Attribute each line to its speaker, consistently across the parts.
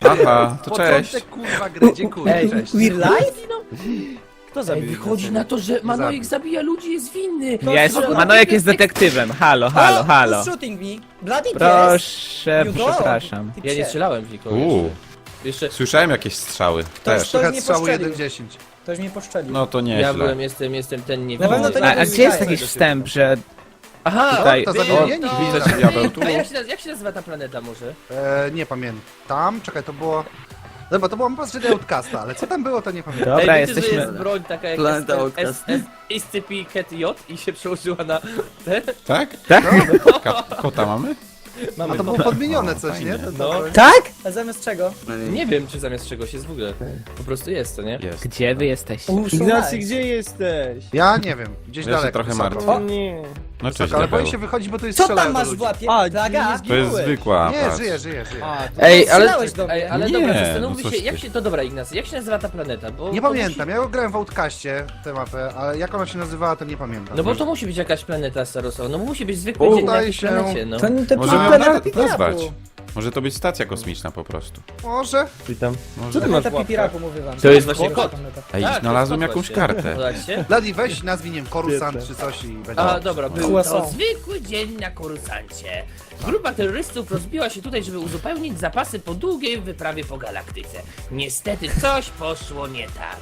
Speaker 1: Aha, to cześć.
Speaker 2: Początek kurwa gry, dziękuję,
Speaker 3: Ej,
Speaker 2: cześć.
Speaker 3: We're live?
Speaker 4: Kto
Speaker 3: Ej,
Speaker 4: zabił?
Speaker 3: wychodzi na to, że Manojek zabija ludzi, jest winny.
Speaker 5: Manojek jest detektywem. Halo, halo, halo.
Speaker 3: Who's shooting me? Bloody
Speaker 5: Proszę,
Speaker 3: You go.
Speaker 5: przepraszam.
Speaker 3: Ty
Speaker 4: Ja nie
Speaker 3: psie.
Speaker 4: strzelałem w nikogo jeszcze.
Speaker 1: Słyszałem jakieś strzały też.
Speaker 3: Ktoś
Speaker 2: Trochę
Speaker 3: mnie
Speaker 2: strzału
Speaker 3: postrzelił.
Speaker 2: 1-10.
Speaker 3: Ktoś mnie poszczelił.
Speaker 1: No to
Speaker 4: Ja
Speaker 1: nieźle.
Speaker 4: jestem ten nie
Speaker 3: Na pewno to nie
Speaker 5: A
Speaker 3: był
Speaker 5: gdzie jest
Speaker 3: Mikołaj.
Speaker 5: jakiś wstęp, że
Speaker 4: Aha,
Speaker 5: tutaj...
Speaker 2: To
Speaker 4: było
Speaker 2: zabiję,
Speaker 4: to.
Speaker 1: Widzę cię, diabeł, tu.
Speaker 4: A jak się nazywa ta planeta może?
Speaker 2: Nie pamiętam, czekaj, to było... Dobra, to było poprzednie Outcasta, ale co tam było, to nie pamiętam.
Speaker 5: Dobra,
Speaker 4: Ej, wiecie, że
Speaker 5: jesteśmy...
Speaker 4: jest broń taka jak
Speaker 6: Planeta Outcast.
Speaker 4: SCP-J i się przełożyła na ten?
Speaker 1: Tak?
Speaker 5: Tak?
Speaker 1: Kota mamy?
Speaker 2: A to było podmienione coś, nie?
Speaker 4: No.
Speaker 3: Tak? A zamiast czego?
Speaker 4: Nie wiem, czy zamiast czegoś jest w ogóle. Po prostu jest, to nie?
Speaker 1: Jest.
Speaker 5: Gdzie wy jesteście?
Speaker 4: Ignacy, gdzie jesteś?
Speaker 2: Ja nie wiem, gdzieś
Speaker 1: Ja się
Speaker 2: daleko.
Speaker 1: trochę
Speaker 2: wysoko.
Speaker 1: martwię.
Speaker 4: O nie.
Speaker 1: No cześć,
Speaker 2: Ale boję
Speaker 1: diabeł.
Speaker 2: się wychodzić, bo tu jest
Speaker 3: Co
Speaker 2: strzelają
Speaker 3: tam
Speaker 2: do
Speaker 3: masz w
Speaker 2: ludzi.
Speaker 3: łapie?
Speaker 4: A,
Speaker 3: Plaga?
Speaker 1: To jest zwykła,
Speaker 2: Nie,
Speaker 1: patrz.
Speaker 2: żyję.
Speaker 4: Ej, ale...
Speaker 3: Strzelałeś do mnie.
Speaker 4: Ej, ale
Speaker 1: Nie,
Speaker 4: dobra,
Speaker 1: no
Speaker 4: zastanówmy
Speaker 1: coś
Speaker 4: się,
Speaker 1: ty.
Speaker 4: jak się... To dobra, Ignacy, jak się nazywa ta planeta? Bo
Speaker 2: Nie
Speaker 4: to
Speaker 2: pamiętam, ja grałem w Outcaście tę mapę, ale jak ona się nazywała, to nie pamiętam.
Speaker 4: No bo to musi być jakaś planeta starosowa, no musi być zwykły
Speaker 2: Udaje
Speaker 4: dzień na jakiejś
Speaker 2: się.
Speaker 4: planecie, no.
Speaker 3: To
Speaker 1: Możemy ją
Speaker 3: planeta Pipiraku.
Speaker 1: nazwać. Może to być stacja kosmiczna po prostu.
Speaker 2: Może?
Speaker 4: Witam.
Speaker 1: Może.
Speaker 3: Planeta Pipiraku, mówię wam.
Speaker 4: To jest właśnie kot.
Speaker 1: Ej,
Speaker 4: Tak,
Speaker 1: znalazłem
Speaker 4: to jest
Speaker 1: jakąś
Speaker 4: kot
Speaker 1: kartę.
Speaker 4: właśnie.
Speaker 2: Ladi, weź nazwij, nie wiem, Korusant czy coś i będzie.
Speaker 4: A, dobra, był
Speaker 3: Croissant.
Speaker 4: to zwykły dzień na Korusancie. Grupa terrorystów rozbiła się tutaj, żeby uzupełnić zapasy po długiej wyprawie po galaktyce. Niestety coś poszło nie tak.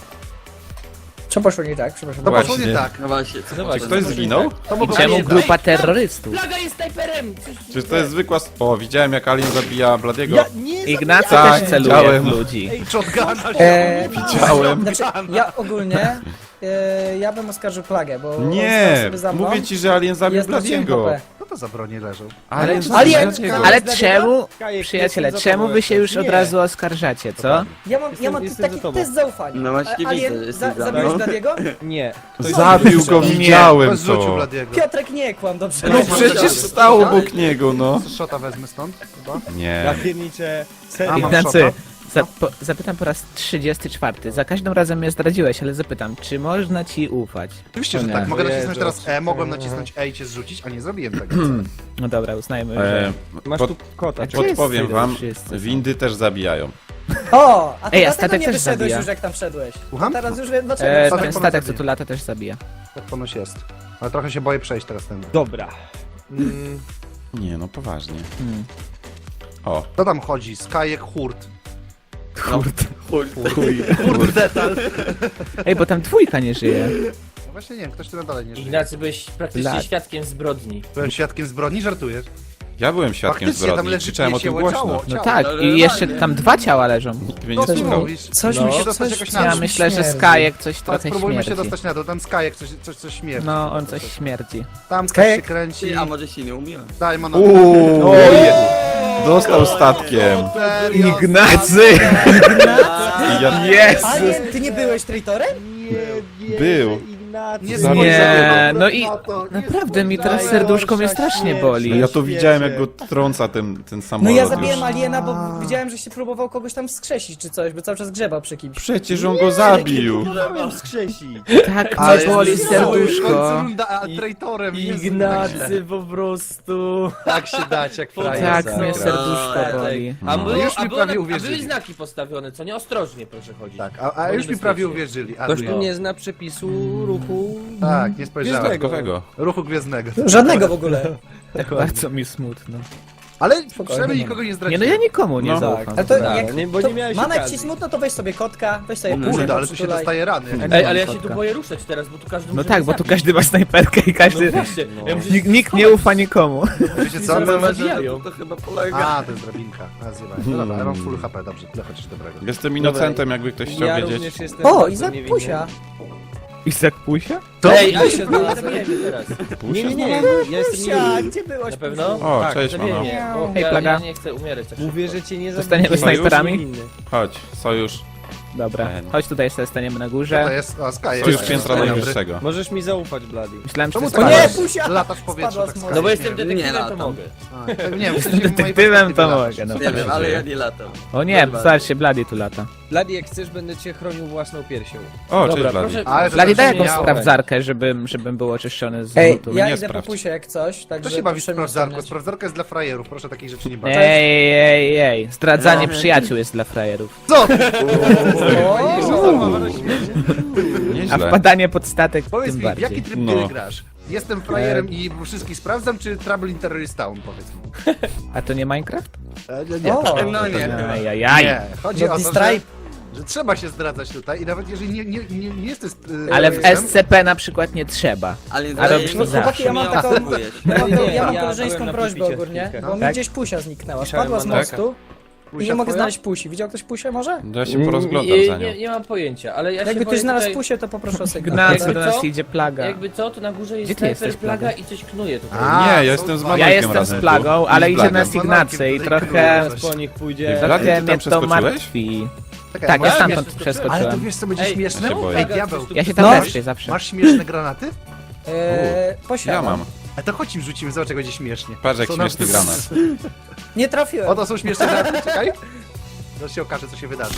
Speaker 3: Co poszło nie tak? Przepraszam.
Speaker 2: To poszło
Speaker 1: Właśnie.
Speaker 2: nie tak.
Speaker 6: No właśnie, co
Speaker 4: Zobacz,
Speaker 1: Czy ktoś zginął?
Speaker 2: To
Speaker 5: I
Speaker 2: mogło
Speaker 5: czemu
Speaker 2: być
Speaker 5: grupa
Speaker 4: Ej, tam!
Speaker 5: terrorystów?
Speaker 4: Plaga jest snajperem!
Speaker 1: Czy to jest zwykła... O, widziałem jak Alien zabija Bladiego.
Speaker 5: Ignacy
Speaker 1: Tak,
Speaker 5: też celuje
Speaker 1: widziałem.
Speaker 5: w ludzi.
Speaker 2: shotguna.
Speaker 1: Widziałem.
Speaker 3: Znaczy, ja ogólnie, ja bym oskarżył Plagę, bo on
Speaker 1: Nie,
Speaker 3: stał sobie za mną.
Speaker 1: mówię ci, że Alien zabił
Speaker 3: Ja straciłem
Speaker 1: Bladiego.
Speaker 3: HP.
Speaker 2: No to za broni leżą.
Speaker 1: Alien
Speaker 3: Ale-
Speaker 1: zabił
Speaker 3: ale-
Speaker 1: Bladiego.
Speaker 5: Ale
Speaker 3: Dla
Speaker 5: czemu, przyjaciele, czemu wy się już od razu oskarżacie, co?
Speaker 3: Ja mam tu taki test zaufania.
Speaker 6: No właśnie widzę,
Speaker 3: Alien,
Speaker 6: że jesteś za
Speaker 3: zabiłeś
Speaker 6: mną.
Speaker 3: Bladiego?
Speaker 4: Nie.
Speaker 1: Zabił go, widziałem
Speaker 2: Bez rzucił
Speaker 1: to.
Speaker 2: Bladiego.
Speaker 3: Piotrek, nie kłam, dobrze.
Speaker 1: No przecież stał obok niego, no.
Speaker 2: Szota wezmę stąd chyba.
Speaker 1: Nie.
Speaker 4: pierniczę.
Speaker 2: A, mam
Speaker 5: Ignacy,
Speaker 2: szota.
Speaker 5: zapytam po raz 34. Za każdym razem mnie zdradziłeś, ale zapytam, czy można ci ufać?
Speaker 2: Oczywiście, że
Speaker 5: Nie.
Speaker 2: tak. Mogę
Speaker 4: Jezu.
Speaker 2: nacisnąć teraz E, mogłem nacisnąć E i cię zrzucić, a nie zrobiłem tego.
Speaker 5: No dobra, uznajmy,
Speaker 1: E,
Speaker 5: że...
Speaker 4: Masz
Speaker 1: pod,
Speaker 4: tu kota.
Speaker 5: A gdzie jest
Speaker 1: podpowiem
Speaker 5: Cyril?
Speaker 1: wam,
Speaker 5: Wszyscy.
Speaker 1: windy też zabijają.
Speaker 3: O, a ty
Speaker 5: Ej, a
Speaker 3: dlatego
Speaker 5: statek
Speaker 3: nie
Speaker 5: też
Speaker 3: wyszedłeś
Speaker 5: zabija.
Speaker 3: już jak tam wszedłeś.
Speaker 2: Słucham?
Speaker 3: Teraz już wiem dlaczego.
Speaker 2: statek
Speaker 5: Ten
Speaker 2: ponoć
Speaker 5: statek, co
Speaker 2: zabija.
Speaker 5: tu lata, też zabija.
Speaker 2: Tak ponoć jest. Ale trochę się boję przejść teraz ten.
Speaker 4: Dobra.
Speaker 1: Nie, no poważnie.
Speaker 5: Hmm.
Speaker 1: O,
Speaker 2: Kto tam chodzi? Skajek Hurt.
Speaker 1: kurde.
Speaker 2: Detal.
Speaker 5: Ej, bo tam dwójka nie żyje.
Speaker 2: No właśnie nie wiem, ktoś tu dalej nie żyje.
Speaker 4: Ignacy, byłeś praktycznie
Speaker 5: Lat.
Speaker 4: świadkiem zbrodni.
Speaker 2: Byłem świadkiem zbrodni, żartujesz?
Speaker 1: Ja byłem świadkiem
Speaker 2: Faktycznie, tam
Speaker 1: zbrodni,
Speaker 2: leży
Speaker 1: krzyczałem o tym
Speaker 2: piesięło
Speaker 1: głośno.
Speaker 2: ciało.
Speaker 5: No tak,
Speaker 6: ale
Speaker 5: i jeszcze
Speaker 6: normalnie.
Speaker 5: tam 2 ciała leżą.
Speaker 1: Nikt mnie
Speaker 2: No
Speaker 1: nie
Speaker 2: co
Speaker 1: słuchał.
Speaker 2: mówisz?
Speaker 3: Coś
Speaker 4: No.
Speaker 3: mi się
Speaker 2: Dostać
Speaker 3: coś
Speaker 2: jakoś na
Speaker 5: Ja
Speaker 2: dół.
Speaker 5: myślę, że
Speaker 3: śmierdzi.
Speaker 5: Skajek coś
Speaker 2: Tak,
Speaker 5: trochę
Speaker 2: spróbujmy się
Speaker 5: śmierdzi.
Speaker 2: dostać na dół. Tam Skajek coś śmierdzi.
Speaker 5: No, on coś śmierdzi.
Speaker 2: Tam
Speaker 3: Skajek?
Speaker 2: się kręci.
Speaker 6: Ty, a może się nie umiłem?
Speaker 2: Daj mono.
Speaker 1: Uuu, dostał statkiem.
Speaker 2: Serio?
Speaker 5: Ignacy!
Speaker 1: I ja
Speaker 3: Alien, ty nie byłeś traitorem?
Speaker 1: był.
Speaker 2: Nie
Speaker 5: Nie, no i
Speaker 2: na to.
Speaker 5: naprawdę mi teraz serduszko mnie strasznie boli.
Speaker 1: No ja to widziałem jak go trąca ten
Speaker 3: No
Speaker 1: samolot
Speaker 3: ja
Speaker 1: już.
Speaker 3: zabiłem aliena, bo widziałem, że się próbował kogoś tam wskrzesić czy coś, bo cały czas grzebał przy kimś.
Speaker 1: Przecież on go zabił.
Speaker 5: Tak
Speaker 2: Ale
Speaker 5: mnie boli
Speaker 2: w
Speaker 5: serduszko.
Speaker 2: końcu runda, a traitorem nie
Speaker 4: Ignacy, po prostu...
Speaker 2: tak się dać jak frajer.
Speaker 5: Tak mnie
Speaker 6: Dobra.
Speaker 5: serduszko boli.
Speaker 4: A,
Speaker 1: No.
Speaker 4: było,
Speaker 2: Już mi
Speaker 4: a, było,
Speaker 2: prawie
Speaker 4: a
Speaker 2: uwierzyli.
Speaker 4: były znaki postawione, co nie? Ostrożnie proszę chodzić.
Speaker 2: Tak, a już mi prawie uwierzyli. A
Speaker 4: Ktoś
Speaker 2: tu
Speaker 4: tu nie zna przepisu ruchu...
Speaker 2: Tak, nie spojrzałem.
Speaker 1: Dodatkowego.
Speaker 2: Ruchu gwiezdnego.
Speaker 3: Żadnego w ogóle.
Speaker 5: Tak bardzo mi smutno.
Speaker 2: Ale przynajmniej nikogo nie
Speaker 5: Nie
Speaker 2: zdradziłem.
Speaker 5: no ja nikomu nie
Speaker 1: No.
Speaker 5: zaufam.
Speaker 3: Ale to
Speaker 4: Tak,
Speaker 3: jak
Speaker 4: nie, bo
Speaker 3: to
Speaker 4: nie miałeś
Speaker 3: Manek ci
Speaker 4: okazji.
Speaker 3: smutno, to weź sobie kotka, weź sobie
Speaker 2: Kurde,
Speaker 3: puszkę,
Speaker 2: ale tu się
Speaker 3: przytulaj.
Speaker 2: dostaje rany.
Speaker 4: Ej, ale ja się
Speaker 5: Kotka.
Speaker 4: tu boję ruszać teraz, bo tu każdy
Speaker 5: No
Speaker 4: może
Speaker 5: tak,
Speaker 4: mnie
Speaker 5: bo tu
Speaker 4: zabić.
Speaker 5: każdy ma snajperkę i każdy...
Speaker 4: No właśnie, ja muszę się
Speaker 5: Nikt nie ufa nikomu.
Speaker 2: Wiecie co?
Speaker 4: Zaraz
Speaker 2: No,
Speaker 4: zabijają.
Speaker 6: To chyba polega.
Speaker 2: a, to jest drabinka. Nazywaj. No dobra, ale mam full HP, dobrze, tyle chociaż dobrego.
Speaker 1: Jestem inocentem, jakby ktoś chciał
Speaker 4: Ja
Speaker 1: wiedzieć.
Speaker 4: również jestem
Speaker 3: O,
Speaker 4: bardzo
Speaker 3: Izak
Speaker 4: niewinny.
Speaker 3: Pusia.
Speaker 5: Izak Pusia?
Speaker 4: Ej, ale się zabijemy teraz.
Speaker 1: Pusia?
Speaker 4: Nie, ja jestem
Speaker 3: Pusia,
Speaker 4: niewinny.
Speaker 3: gdzie byłeś?
Speaker 4: Na pewno?
Speaker 1: O,
Speaker 4: Tak,
Speaker 1: cześć,
Speaker 4: zabiję
Speaker 1: mano.
Speaker 4: mnie, bo
Speaker 5: Hej,
Speaker 4: ja
Speaker 5: plaga.
Speaker 4: nie chcę umierać tak
Speaker 7: Mówię,
Speaker 4: szybko.
Speaker 7: że cię nie
Speaker 5: Zostaniemy
Speaker 7: zabiję.
Speaker 5: snajperami?
Speaker 1: Chodź, sojusz.
Speaker 5: Dobra, chodź tutaj sobie staniemy na
Speaker 2: To
Speaker 5: górze.
Speaker 2: jest, a Sky
Speaker 1: Sojusz
Speaker 2: jest.
Speaker 1: piętra
Speaker 2: Dobry.
Speaker 1: najwyższego.
Speaker 7: Możesz mi zaufać, Bloody.
Speaker 5: Myślałem, że
Speaker 2: Czemu
Speaker 5: to
Speaker 3: O
Speaker 5: jest
Speaker 3: nie,
Speaker 5: Pusia.
Speaker 3: Pusia!
Speaker 2: Latasz w powietrzu,
Speaker 3: Spadła
Speaker 2: tak
Speaker 3: z
Speaker 2: Sky
Speaker 3: mocy.
Speaker 4: No bo jestem
Speaker 2: śmieje.
Speaker 4: detektywem,
Speaker 6: Nie
Speaker 4: to
Speaker 6: latam.
Speaker 4: mogę.
Speaker 2: A, nie wiem, w sensie w mojej
Speaker 5: Detektywem to
Speaker 2: perspektywie
Speaker 5: mogę, no.
Speaker 6: Nie wiem, ale ja nie latam.
Speaker 5: O nie, zobaczcie, Bloody tu lata.
Speaker 6: Blady, jak chcesz, będę cię chronił własną piersią.
Speaker 1: O,
Speaker 4: Dobra,
Speaker 1: cześć Bladi.
Speaker 4: proszę.
Speaker 2: Ale to
Speaker 5: Blady, daj
Speaker 2: też
Speaker 5: jakąś
Speaker 2: miałem.
Speaker 5: sprawdzarkę, żebym był oczyszczony z
Speaker 3: Ej,
Speaker 5: lutu.
Speaker 3: ja
Speaker 1: nie
Speaker 3: idę po
Speaker 1: sprawdź.
Speaker 3: pusie jak coś, także
Speaker 2: To się bawi w
Speaker 3: proszę mnie
Speaker 2: sprawdzarkę.
Speaker 3: ściągnąć.
Speaker 2: Sprawdzarka jest dla frajerów, proszę takich rzeczy nie bawić.
Speaker 5: Ej, zdradzanie przyjaciół jest dla frajerów.
Speaker 2: Co?
Speaker 5: A
Speaker 1: Nieźle.
Speaker 5: wpadanie pod statek
Speaker 2: Powiedz
Speaker 5: tym
Speaker 2: mi, w
Speaker 5: bardziej.
Speaker 2: jaki tryb
Speaker 1: No.
Speaker 2: gry grasz? Jestem frajerem i wszystkich sprawdzam, czy Trouble in Terrorist Town, powiedz mi.
Speaker 5: A to nie Minecraft?
Speaker 2: Nie,
Speaker 3: O,
Speaker 2: no nie.
Speaker 5: Ajajaj.
Speaker 2: Nie, chodzi o
Speaker 3: Bloody
Speaker 2: to,
Speaker 3: Stripe.
Speaker 2: że trzeba się zdradzać tutaj i nawet jeżeli nie jesteś...
Speaker 5: Ale w
Speaker 2: terrorystą,
Speaker 5: SCP na przykład nie trzeba.
Speaker 7: Ale
Speaker 5: A robisz
Speaker 3: No
Speaker 5: to
Speaker 3: chłopaki,
Speaker 5: zawsze.
Speaker 3: ja mam taką, ja mam
Speaker 6: ja
Speaker 3: koleżeńską
Speaker 6: byłem na
Speaker 3: prośbę
Speaker 6: pulpicie
Speaker 3: ogólnie,
Speaker 6: chwilkę.
Speaker 3: bo mi
Speaker 5: Tak?
Speaker 3: gdzieś pusia zniknęła.
Speaker 6: Piszałem
Speaker 3: Spadła z
Speaker 6: mandarka.
Speaker 3: mostu i
Speaker 2: Pusia
Speaker 3: nie mogę
Speaker 2: twoja?
Speaker 3: znaleźć pusi. Widział ktoś pusię może?
Speaker 1: Ja się porozglądam za nią.
Speaker 4: Nie mam pojęcia, ale ja się
Speaker 3: Jakby
Speaker 4: boję
Speaker 3: ktoś znalazł
Speaker 4: tutaj...
Speaker 3: pusię, to poproszę o sygnał.
Speaker 5: Gnacy
Speaker 4: Jakby
Speaker 5: do nas
Speaker 4: co?
Speaker 5: idzie plaga.
Speaker 4: Jakby co, to na górze jest
Speaker 5: Gdzie ty
Speaker 4: snajper,
Speaker 5: jesteś,
Speaker 4: plaga
Speaker 5: Plaga?
Speaker 4: i coś knuje tutaj.
Speaker 2: A,
Speaker 1: Nie, ja
Speaker 2: są
Speaker 1: jestem z
Speaker 2: dwa.
Speaker 1: Manojkiem
Speaker 5: Ja jestem
Speaker 1: razem
Speaker 5: z plagą,
Speaker 1: tu.
Speaker 5: ale
Speaker 1: I z
Speaker 5: idzie
Speaker 1: Blagiem.
Speaker 5: nas Ignacy i trochę...
Speaker 6: Zaraz po nich
Speaker 1: Ej,
Speaker 6: pójdzie.
Speaker 1: Blady, ty
Speaker 5: Trochę
Speaker 1: tam
Speaker 5: mnie to
Speaker 1: przeskoczyłeś?
Speaker 5: martwi.
Speaker 2: Czekaj,
Speaker 5: Tak, ja
Speaker 2: masz-
Speaker 5: stamtąd
Speaker 2: Ale to
Speaker 5: przeskoczyłem.
Speaker 2: wiesz co będzie
Speaker 4: Ej,
Speaker 2: śmieszne?
Speaker 1: ja się boję.
Speaker 2: Ej, diabeł,
Speaker 5: Ja się tam
Speaker 3: No.
Speaker 5: leszczę zawsze.
Speaker 2: masz śmieszne granaty?
Speaker 3: Posiadam.
Speaker 1: Ja mam.
Speaker 2: A to chodź im rzucimy, zobacz jak będzie śmiesznie.
Speaker 1: Patrz jak
Speaker 2: Co nam-
Speaker 1: śmieszny granat.
Speaker 3: Nie trafiłem.
Speaker 2: Oto są śmieszne granaty, czekaj. To się okaże, co się wydarzy.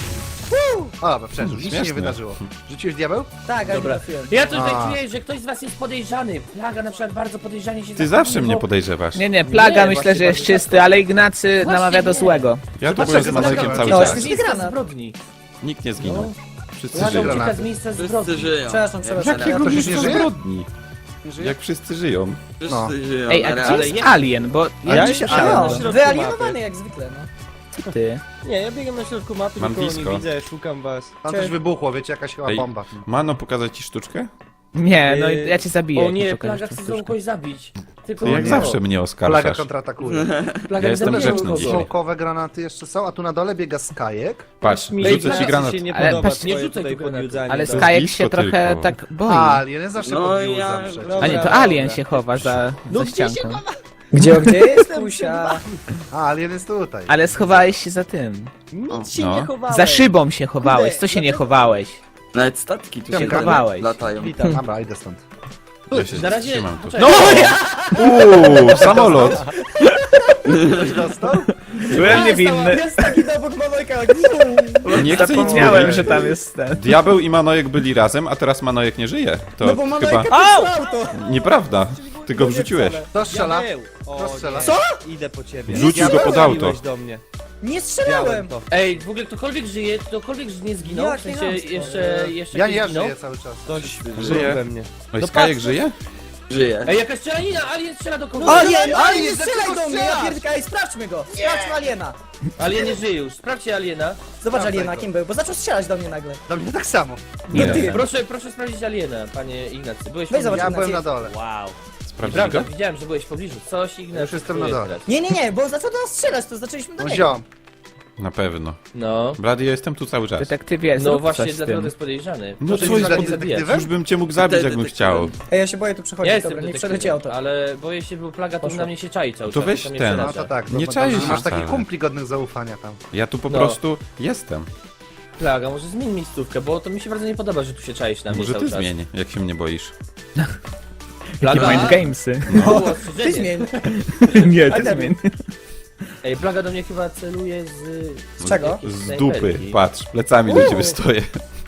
Speaker 2: O, dobra, przeżył, nic się nie
Speaker 1: Śmieszne.
Speaker 2: wydarzyło. Rzuciłeś diabeł?
Speaker 3: Tak, ale nie
Speaker 4: Dobra.
Speaker 3: trafiłem.
Speaker 4: Ja tutaj
Speaker 2: A.
Speaker 4: czuję, że ktoś z was jest podejrzany. Plaga na przykład bardzo podejrzanie się
Speaker 1: Ty zawsze mnie podejrzewasz.
Speaker 5: Nie, plaga
Speaker 4: Nie,
Speaker 5: myślę,
Speaker 4: właśnie
Speaker 5: że jest
Speaker 4: bardzo
Speaker 5: czysty, ale Ignacy
Speaker 4: Właśnie
Speaker 5: namawia do
Speaker 4: nie.
Speaker 5: złego.
Speaker 1: Ja tu
Speaker 2: Zobacz,
Speaker 1: byłem z
Speaker 2: jak
Speaker 1: Manojkiem
Speaker 2: zagadał.
Speaker 1: cały
Speaker 3: No,
Speaker 1: czas.
Speaker 3: jest-
Speaker 4: miejsca
Speaker 3: granat.
Speaker 4: zbrodni.
Speaker 1: Nikt nie zginął. Wszyscy
Speaker 4: Plaga
Speaker 1: żyją.
Speaker 4: ucieka
Speaker 2: granaty.
Speaker 4: z miejsca
Speaker 7: Wszyscy
Speaker 4: zbrodni.
Speaker 7: żyją.
Speaker 3: Przepraszam.
Speaker 1: Jakiego
Speaker 2: To się nie
Speaker 1: miejsca
Speaker 2: żyje?
Speaker 1: zbrodni? Jak wszyscy żyją.
Speaker 2: No.
Speaker 7: Wszyscy żyją.
Speaker 5: Ej, a
Speaker 7: ale-
Speaker 5: gdzie
Speaker 7: ale
Speaker 5: jest Alien? Bo ja
Speaker 6: Ja
Speaker 5: nie
Speaker 6: się-
Speaker 5: słyszałem.
Speaker 6: na
Speaker 3: No,
Speaker 6: środku
Speaker 3: wyalienowany
Speaker 6: mapy.
Speaker 3: jak zwykle, no.
Speaker 5: Ty.
Speaker 6: Nie, ja biegam na środku mapy,
Speaker 1: Mam
Speaker 6: nikogo
Speaker 1: blisko.
Speaker 6: nie widzę, szukam was.
Speaker 2: Tam coś wybuchło, wiecie, jakaś chyba
Speaker 1: Ej,
Speaker 2: bomba.
Speaker 1: Mano, pokazać ci sztuczkę?
Speaker 5: Nie, no i ja cię zabiję.
Speaker 4: O
Speaker 5: jak mi
Speaker 4: nie,
Speaker 5: pokażesz
Speaker 4: plaga
Speaker 5: tą
Speaker 4: chce
Speaker 5: sztuczkę.
Speaker 4: znowu kogoś zabić. Tylko
Speaker 1: Ty jak
Speaker 4: nie.
Speaker 1: zawsze mnie
Speaker 2: Plaga
Speaker 1: oskarżasz.
Speaker 2: kontratakuje.
Speaker 4: Plaga
Speaker 1: Ja
Speaker 4: nie
Speaker 1: jestem
Speaker 4: zabija
Speaker 1: grzeczny
Speaker 4: nikogo.
Speaker 1: dzisiaj.
Speaker 2: Smokowe granaty jeszcze są, a tu na dole biega Skajek.
Speaker 1: Patrz,
Speaker 6: Mi
Speaker 1: rzucę
Speaker 6: Ignacy
Speaker 1: ci granat.
Speaker 6: się nie
Speaker 5: Ale
Speaker 6: podoba
Speaker 5: patrz,
Speaker 6: twoje
Speaker 4: nie rzucaj
Speaker 6: tutaj
Speaker 4: tu granatu.
Speaker 6: podjudzanie.
Speaker 5: Ale
Speaker 1: To
Speaker 5: Skajek
Speaker 1: blisko
Speaker 5: się trochę
Speaker 1: tylko.
Speaker 5: tak boi.
Speaker 2: A, Alien zawsze
Speaker 7: No
Speaker 2: podbił
Speaker 7: ja-
Speaker 2: zawsze.
Speaker 7: no-
Speaker 5: A nie, to
Speaker 6: Dobra,
Speaker 5: Alien
Speaker 6: dobra.
Speaker 5: się chowa za ścianką.
Speaker 3: Gdzie jest pusia?
Speaker 2: A, Alien jest tutaj.
Speaker 5: Ale schowałeś się za tym.
Speaker 6: Nic się
Speaker 1: No.
Speaker 6: nie chowałem.
Speaker 5: Za szybą się chowałeś. Co się nie chowałeś?
Speaker 7: Nawet statki tu
Speaker 2: Się
Speaker 7: się
Speaker 5: chowałeś.
Speaker 7: latają.
Speaker 6: Witam.
Speaker 2: Dobra, idę stąd.
Speaker 1: Ja się
Speaker 4: Na razie...
Speaker 1: trzymam tu.
Speaker 4: poczekaj.
Speaker 1: Samolot!
Speaker 2: Ktoś dostał?
Speaker 5: Byłem niewinny.
Speaker 3: Jest taki obok Manojka.
Speaker 1: Nie chcę nic
Speaker 5: Zapomniałem,
Speaker 1: mówić.
Speaker 5: że tam jest ten.
Speaker 1: Diabeł i Manojek byli razem, a teraz Manojek nie żyje. To
Speaker 3: No bo
Speaker 1: chyba
Speaker 3: Manojka pisał to.
Speaker 1: nieprawda. Ty go wrzuciłeś.
Speaker 2: Kto strzela?
Speaker 6: Diabeł. O,
Speaker 2: Kto strzela?
Speaker 6: nie.
Speaker 3: Co?
Speaker 6: Idę po ciebie.
Speaker 1: Wrzucił go pod auto.
Speaker 6: Strzeliłeś do mnie.
Speaker 3: Nie strzelałem.
Speaker 6: Widziałem to.
Speaker 4: Ej, w ogóle ktokolwiek żyje, ktokolwiek nie zginął, w
Speaker 3: Jakie
Speaker 4: sensie
Speaker 3: chamstwo.
Speaker 4: jeszcze
Speaker 2: Ja
Speaker 4: ktoś
Speaker 2: nie
Speaker 4: zginął.
Speaker 2: żyję cały czas.
Speaker 6: Ktoś
Speaker 1: Żyje.
Speaker 6: we mnie.
Speaker 1: Oj, Skajek żyje?
Speaker 7: Żyje.
Speaker 4: Ej, jakaś strzelanina, Alien strzela do kogoś.
Speaker 3: Alien, nie
Speaker 2: dlaczego
Speaker 3: strzelaj do mnie, ja
Speaker 2: strzelasz?
Speaker 3: pierdolę, ej, sprawdźmy go. Sprawdźmy Aliena.
Speaker 4: Alien nie żyje już, sprawdźcie Aliena.
Speaker 3: Zobacz
Speaker 2: Sprawdzaj
Speaker 3: Aliena,
Speaker 2: go.
Speaker 3: kim był, bo zaczął strzelać do mnie nagle.
Speaker 2: Do mnie tak samo.
Speaker 5: Nie
Speaker 3: ty.
Speaker 5: wiem.
Speaker 4: Proszę sprawdzić Aliena, panie Ignacy. Byłeś
Speaker 3: Weź
Speaker 4: w
Speaker 3: zobacz.
Speaker 2: Ja byłem
Speaker 3: Ignacy.
Speaker 2: na dole.
Speaker 4: Wow.
Speaker 1: Sprawdzi
Speaker 4: Prawda,
Speaker 1: go?
Speaker 4: widziałem, że byłeś w pobliżu. Coś Ignacy.
Speaker 2: Już jestem na
Speaker 4: czuje
Speaker 2: dole.
Speaker 4: teraz.
Speaker 3: Nie, bo zaczął do nas strzelać, to zaczęliśmy do
Speaker 2: No
Speaker 3: niego.
Speaker 2: ziom.
Speaker 1: Na pewno.
Speaker 4: No.
Speaker 1: Blady, ja jestem tu cały czas.
Speaker 5: Detektywie,
Speaker 4: No
Speaker 5: zrób
Speaker 4: właśnie,
Speaker 5: coś z
Speaker 4: dlatego to
Speaker 5: tym.
Speaker 4: jest podejrzany.
Speaker 1: No
Speaker 4: Proszę
Speaker 1: co
Speaker 4: mnie
Speaker 1: jest
Speaker 4: za nie
Speaker 2: za
Speaker 4: zabijać.
Speaker 2: detektywem?
Speaker 1: Już bym cię mógł zabić, jakbym chciał.
Speaker 3: Ej, ja się boję tu przechodzić,
Speaker 4: Ja jestem
Speaker 3: dobra, nie
Speaker 4: detektywem,
Speaker 3: przeleciało to.
Speaker 4: ale boję się, bo plaga to
Speaker 3: Poszło.
Speaker 4: na mnie się czai cały
Speaker 1: To
Speaker 4: czas.
Speaker 1: weź
Speaker 4: mnie
Speaker 1: ten.
Speaker 2: No
Speaker 4: przeraża.
Speaker 2: to tak.
Speaker 1: Nie
Speaker 2: to
Speaker 1: czaisz
Speaker 2: masz
Speaker 1: się
Speaker 2: takich
Speaker 1: wcale.
Speaker 2: kumpli godnych zaufania tam.
Speaker 1: Ja tu po
Speaker 4: No.
Speaker 1: prostu jestem.
Speaker 4: Plaga, może zmień miejscówkę, bo to mi się bardzo nie podoba, że tu się czaisz na mnie
Speaker 1: Może
Speaker 4: cały
Speaker 1: ty
Speaker 4: czas.
Speaker 1: zmień, jak się mnie boisz.
Speaker 5: Takie
Speaker 4: Plaga?
Speaker 5: mind gamesy.
Speaker 4: Było
Speaker 3: Ty
Speaker 4: ostrzeżenie.
Speaker 3: zmień.
Speaker 5: Nie,
Speaker 3: Ale-
Speaker 5: ty zmień.
Speaker 4: Ej, plaga do mnie chyba celuje
Speaker 3: Z czego?
Speaker 4: jakiejś
Speaker 1: Z
Speaker 4: snajperki.
Speaker 1: dupy, patrz, plecami do ciebie stoję.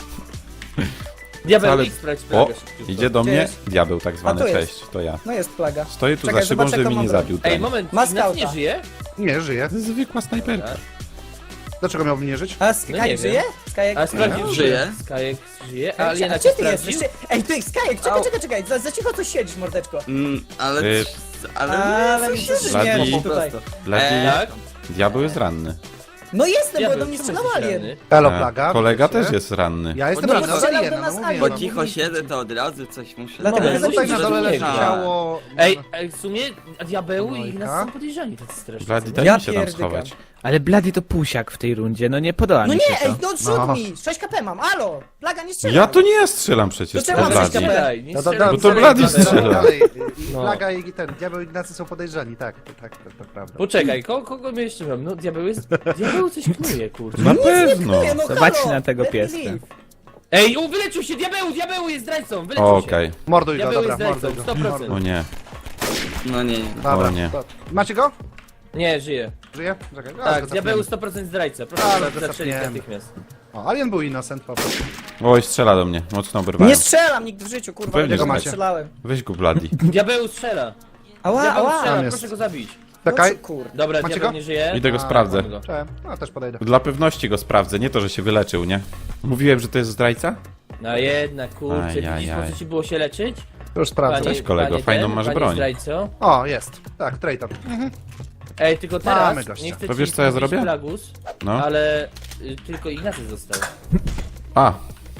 Speaker 4: Diabeł,
Speaker 1: Ale-
Speaker 4: idź sprawdź
Speaker 1: O,
Speaker 4: plagę szybciutko.
Speaker 1: idzie do
Speaker 3: Gdzie
Speaker 1: mnie
Speaker 3: jest?
Speaker 1: diabeł tak zwany,
Speaker 3: A, tu jest.
Speaker 1: cześć, to ja.
Speaker 3: No jest plaga.
Speaker 1: Stoję tu
Speaker 3: Czekaj,
Speaker 1: za szybą,
Speaker 3: zobacz,
Speaker 1: żeby
Speaker 3: jaką
Speaker 1: mnie nie
Speaker 3: mam broń.
Speaker 1: zabił
Speaker 4: Ej,
Speaker 1: ten.
Speaker 4: moment,
Speaker 3: Ma
Speaker 4: Ignacy nie
Speaker 3: skauta.
Speaker 4: żyje?
Speaker 2: Nie, żyje.
Speaker 1: Zwykła snajperka.
Speaker 2: Dlaczego miałbym nie żyć?
Speaker 3: A
Speaker 4: No nie
Speaker 3: Skajek
Speaker 4: wiem.
Speaker 3: żyje? Skajek...
Speaker 4: A sprawdził,
Speaker 7: Żyje.
Speaker 4: Skajek żyje, a
Speaker 3: A
Speaker 4: Aliena
Speaker 3: gdzie
Speaker 4: cię
Speaker 3: ty jesteś?
Speaker 4: sprawdził?
Speaker 3: Ej, ty, Skajek, czekaj, za cicho tu siedzisz, mordeczko.
Speaker 7: Ale...
Speaker 1: Y,
Speaker 7: Ale...
Speaker 3: mi się
Speaker 1: Blady.
Speaker 3: śmieszy tutaj.
Speaker 1: Blady,
Speaker 4: Tak?
Speaker 1: diabeł jest ranny.
Speaker 3: No jestem, bo
Speaker 4: Diabeł,
Speaker 3: do mnie
Speaker 4: czemu
Speaker 3: strzelał
Speaker 4: jesteś
Speaker 3: alien.
Speaker 4: ranny?
Speaker 2: Halo,
Speaker 1: E,
Speaker 2: plaga.
Speaker 1: Kolega
Speaker 2: wiecie?
Speaker 1: też jest ranny.
Speaker 2: Ja jestem
Speaker 3: No,
Speaker 2: ranny
Speaker 3: bo
Speaker 2: od
Speaker 3: strzelał
Speaker 2: Aliena,
Speaker 3: do nas
Speaker 2: no
Speaker 3: alien.
Speaker 7: Bo
Speaker 2: mówię.
Speaker 7: cicho siedzę, to od razu coś muszę...
Speaker 3: Dlatego
Speaker 4: Moment,
Speaker 3: nie
Speaker 2: Tutaj na dole leży
Speaker 4: zrozumieli.
Speaker 2: ciało...
Speaker 4: Ej, w sumie diabeł i
Speaker 2: Manojka.
Speaker 4: Ignacy są podejrzani tacy strasznie.
Speaker 1: Blady, daj
Speaker 3: Ja
Speaker 1: mi się tam
Speaker 3: pierdykam.
Speaker 1: schować.
Speaker 5: Ale Blady to pusiak w tej rundzie, no nie podoba
Speaker 3: No
Speaker 5: mi się
Speaker 3: nie,
Speaker 5: to.
Speaker 3: ej, no
Speaker 2: No.
Speaker 3: rzut mi! 6 KP mam, alo! Plaga nie strzela.
Speaker 1: Ja to nie ja strzelam przecież,
Speaker 3: To
Speaker 1: to
Speaker 3: czemu mam
Speaker 1: Blady.
Speaker 3: sześć KP?
Speaker 4: Nie
Speaker 2: No
Speaker 4: strzelaj,
Speaker 1: Bo to
Speaker 4: strzelaj,
Speaker 1: Blady
Speaker 4: diabeł.
Speaker 1: strzela.
Speaker 2: Dalej,
Speaker 4: No.
Speaker 2: plaga i ten diabeł Ignacy są podejrzani, tak, to prawda.
Speaker 4: Poczekaj, kogo my jeszcze mam? No diabeł jest... Diabeł coś knuje, kurczę.
Speaker 1: Na pewno.
Speaker 3: Nie, no
Speaker 5: Zobaczcie
Speaker 3: halo,
Speaker 5: na tego
Speaker 3: let me
Speaker 5: pieska.
Speaker 3: live.
Speaker 4: Ej, wyleczył się! Diabeł jest zdrajcą! Wyleczył się!
Speaker 1: Okej,
Speaker 2: Morduj go,
Speaker 4: Diabeł
Speaker 2: dobra,
Speaker 4: jest
Speaker 2: morduj
Speaker 4: zdrajcą,
Speaker 2: go.
Speaker 4: 100%.
Speaker 1: o nie.
Speaker 7: No nie.
Speaker 2: Dobra,
Speaker 1: O nie.
Speaker 2: to- Macie go?
Speaker 4: Nie, żyje.
Speaker 2: Żyje? Czekaj.
Speaker 4: Tak, diabeł 100% zdrajca. Proszę
Speaker 2: Ale
Speaker 4: go zatrzelić
Speaker 2: zasapniemy.
Speaker 4: natychmiast.
Speaker 2: O, Alien był innocent po prostu.
Speaker 1: Oj, strzela do mnie. Mocno oberwałem.
Speaker 3: Nie strzelam nigdy w życiu, kurwa,
Speaker 1: Pewnie,
Speaker 3: nie
Speaker 1: że
Speaker 2: macie.
Speaker 3: strzelałem.
Speaker 1: Weź go, Bloody.
Speaker 4: Diabeł strzela.
Speaker 3: Ała,
Speaker 4: Diabeł
Speaker 3: ała!
Speaker 4: strzela,
Speaker 2: Tam jest.
Speaker 4: proszę go zabić.
Speaker 2: Czekaj.
Speaker 3: Kurde.
Speaker 4: Dobra,
Speaker 2: Macie
Speaker 4: diabeł
Speaker 2: go?
Speaker 4: nie żyje.
Speaker 1: Idę go sprawdzę.
Speaker 4: Mamy go.
Speaker 2: Cześć. No, też podejdę.
Speaker 1: Dla pewności go sprawdzę, nie to, że się wyleczył, nie? Mówiłem, że to jest zdrajca?
Speaker 4: No jednak, kurczę,
Speaker 1: Ajajaj.
Speaker 4: widzisz, po co ci było się leczyć?
Speaker 2: Już sprawdzę.
Speaker 1: Cześć, kolego,
Speaker 4: panie
Speaker 1: fajną
Speaker 4: ten,
Speaker 1: masz
Speaker 4: panie
Speaker 1: broń.
Speaker 4: Zdrajco.
Speaker 2: O, jest. Tak, traitor.
Speaker 4: Ej, tylko
Speaker 2: Mamy
Speaker 4: teraz,
Speaker 2: gościa.
Speaker 4: nie chcę
Speaker 1: To
Speaker 4: ci
Speaker 1: wiesz, co ja
Speaker 4: mówić
Speaker 1: zrobię?
Speaker 4: Plagus,
Speaker 1: No.
Speaker 4: ale tylko Ignacy został.
Speaker 1: A,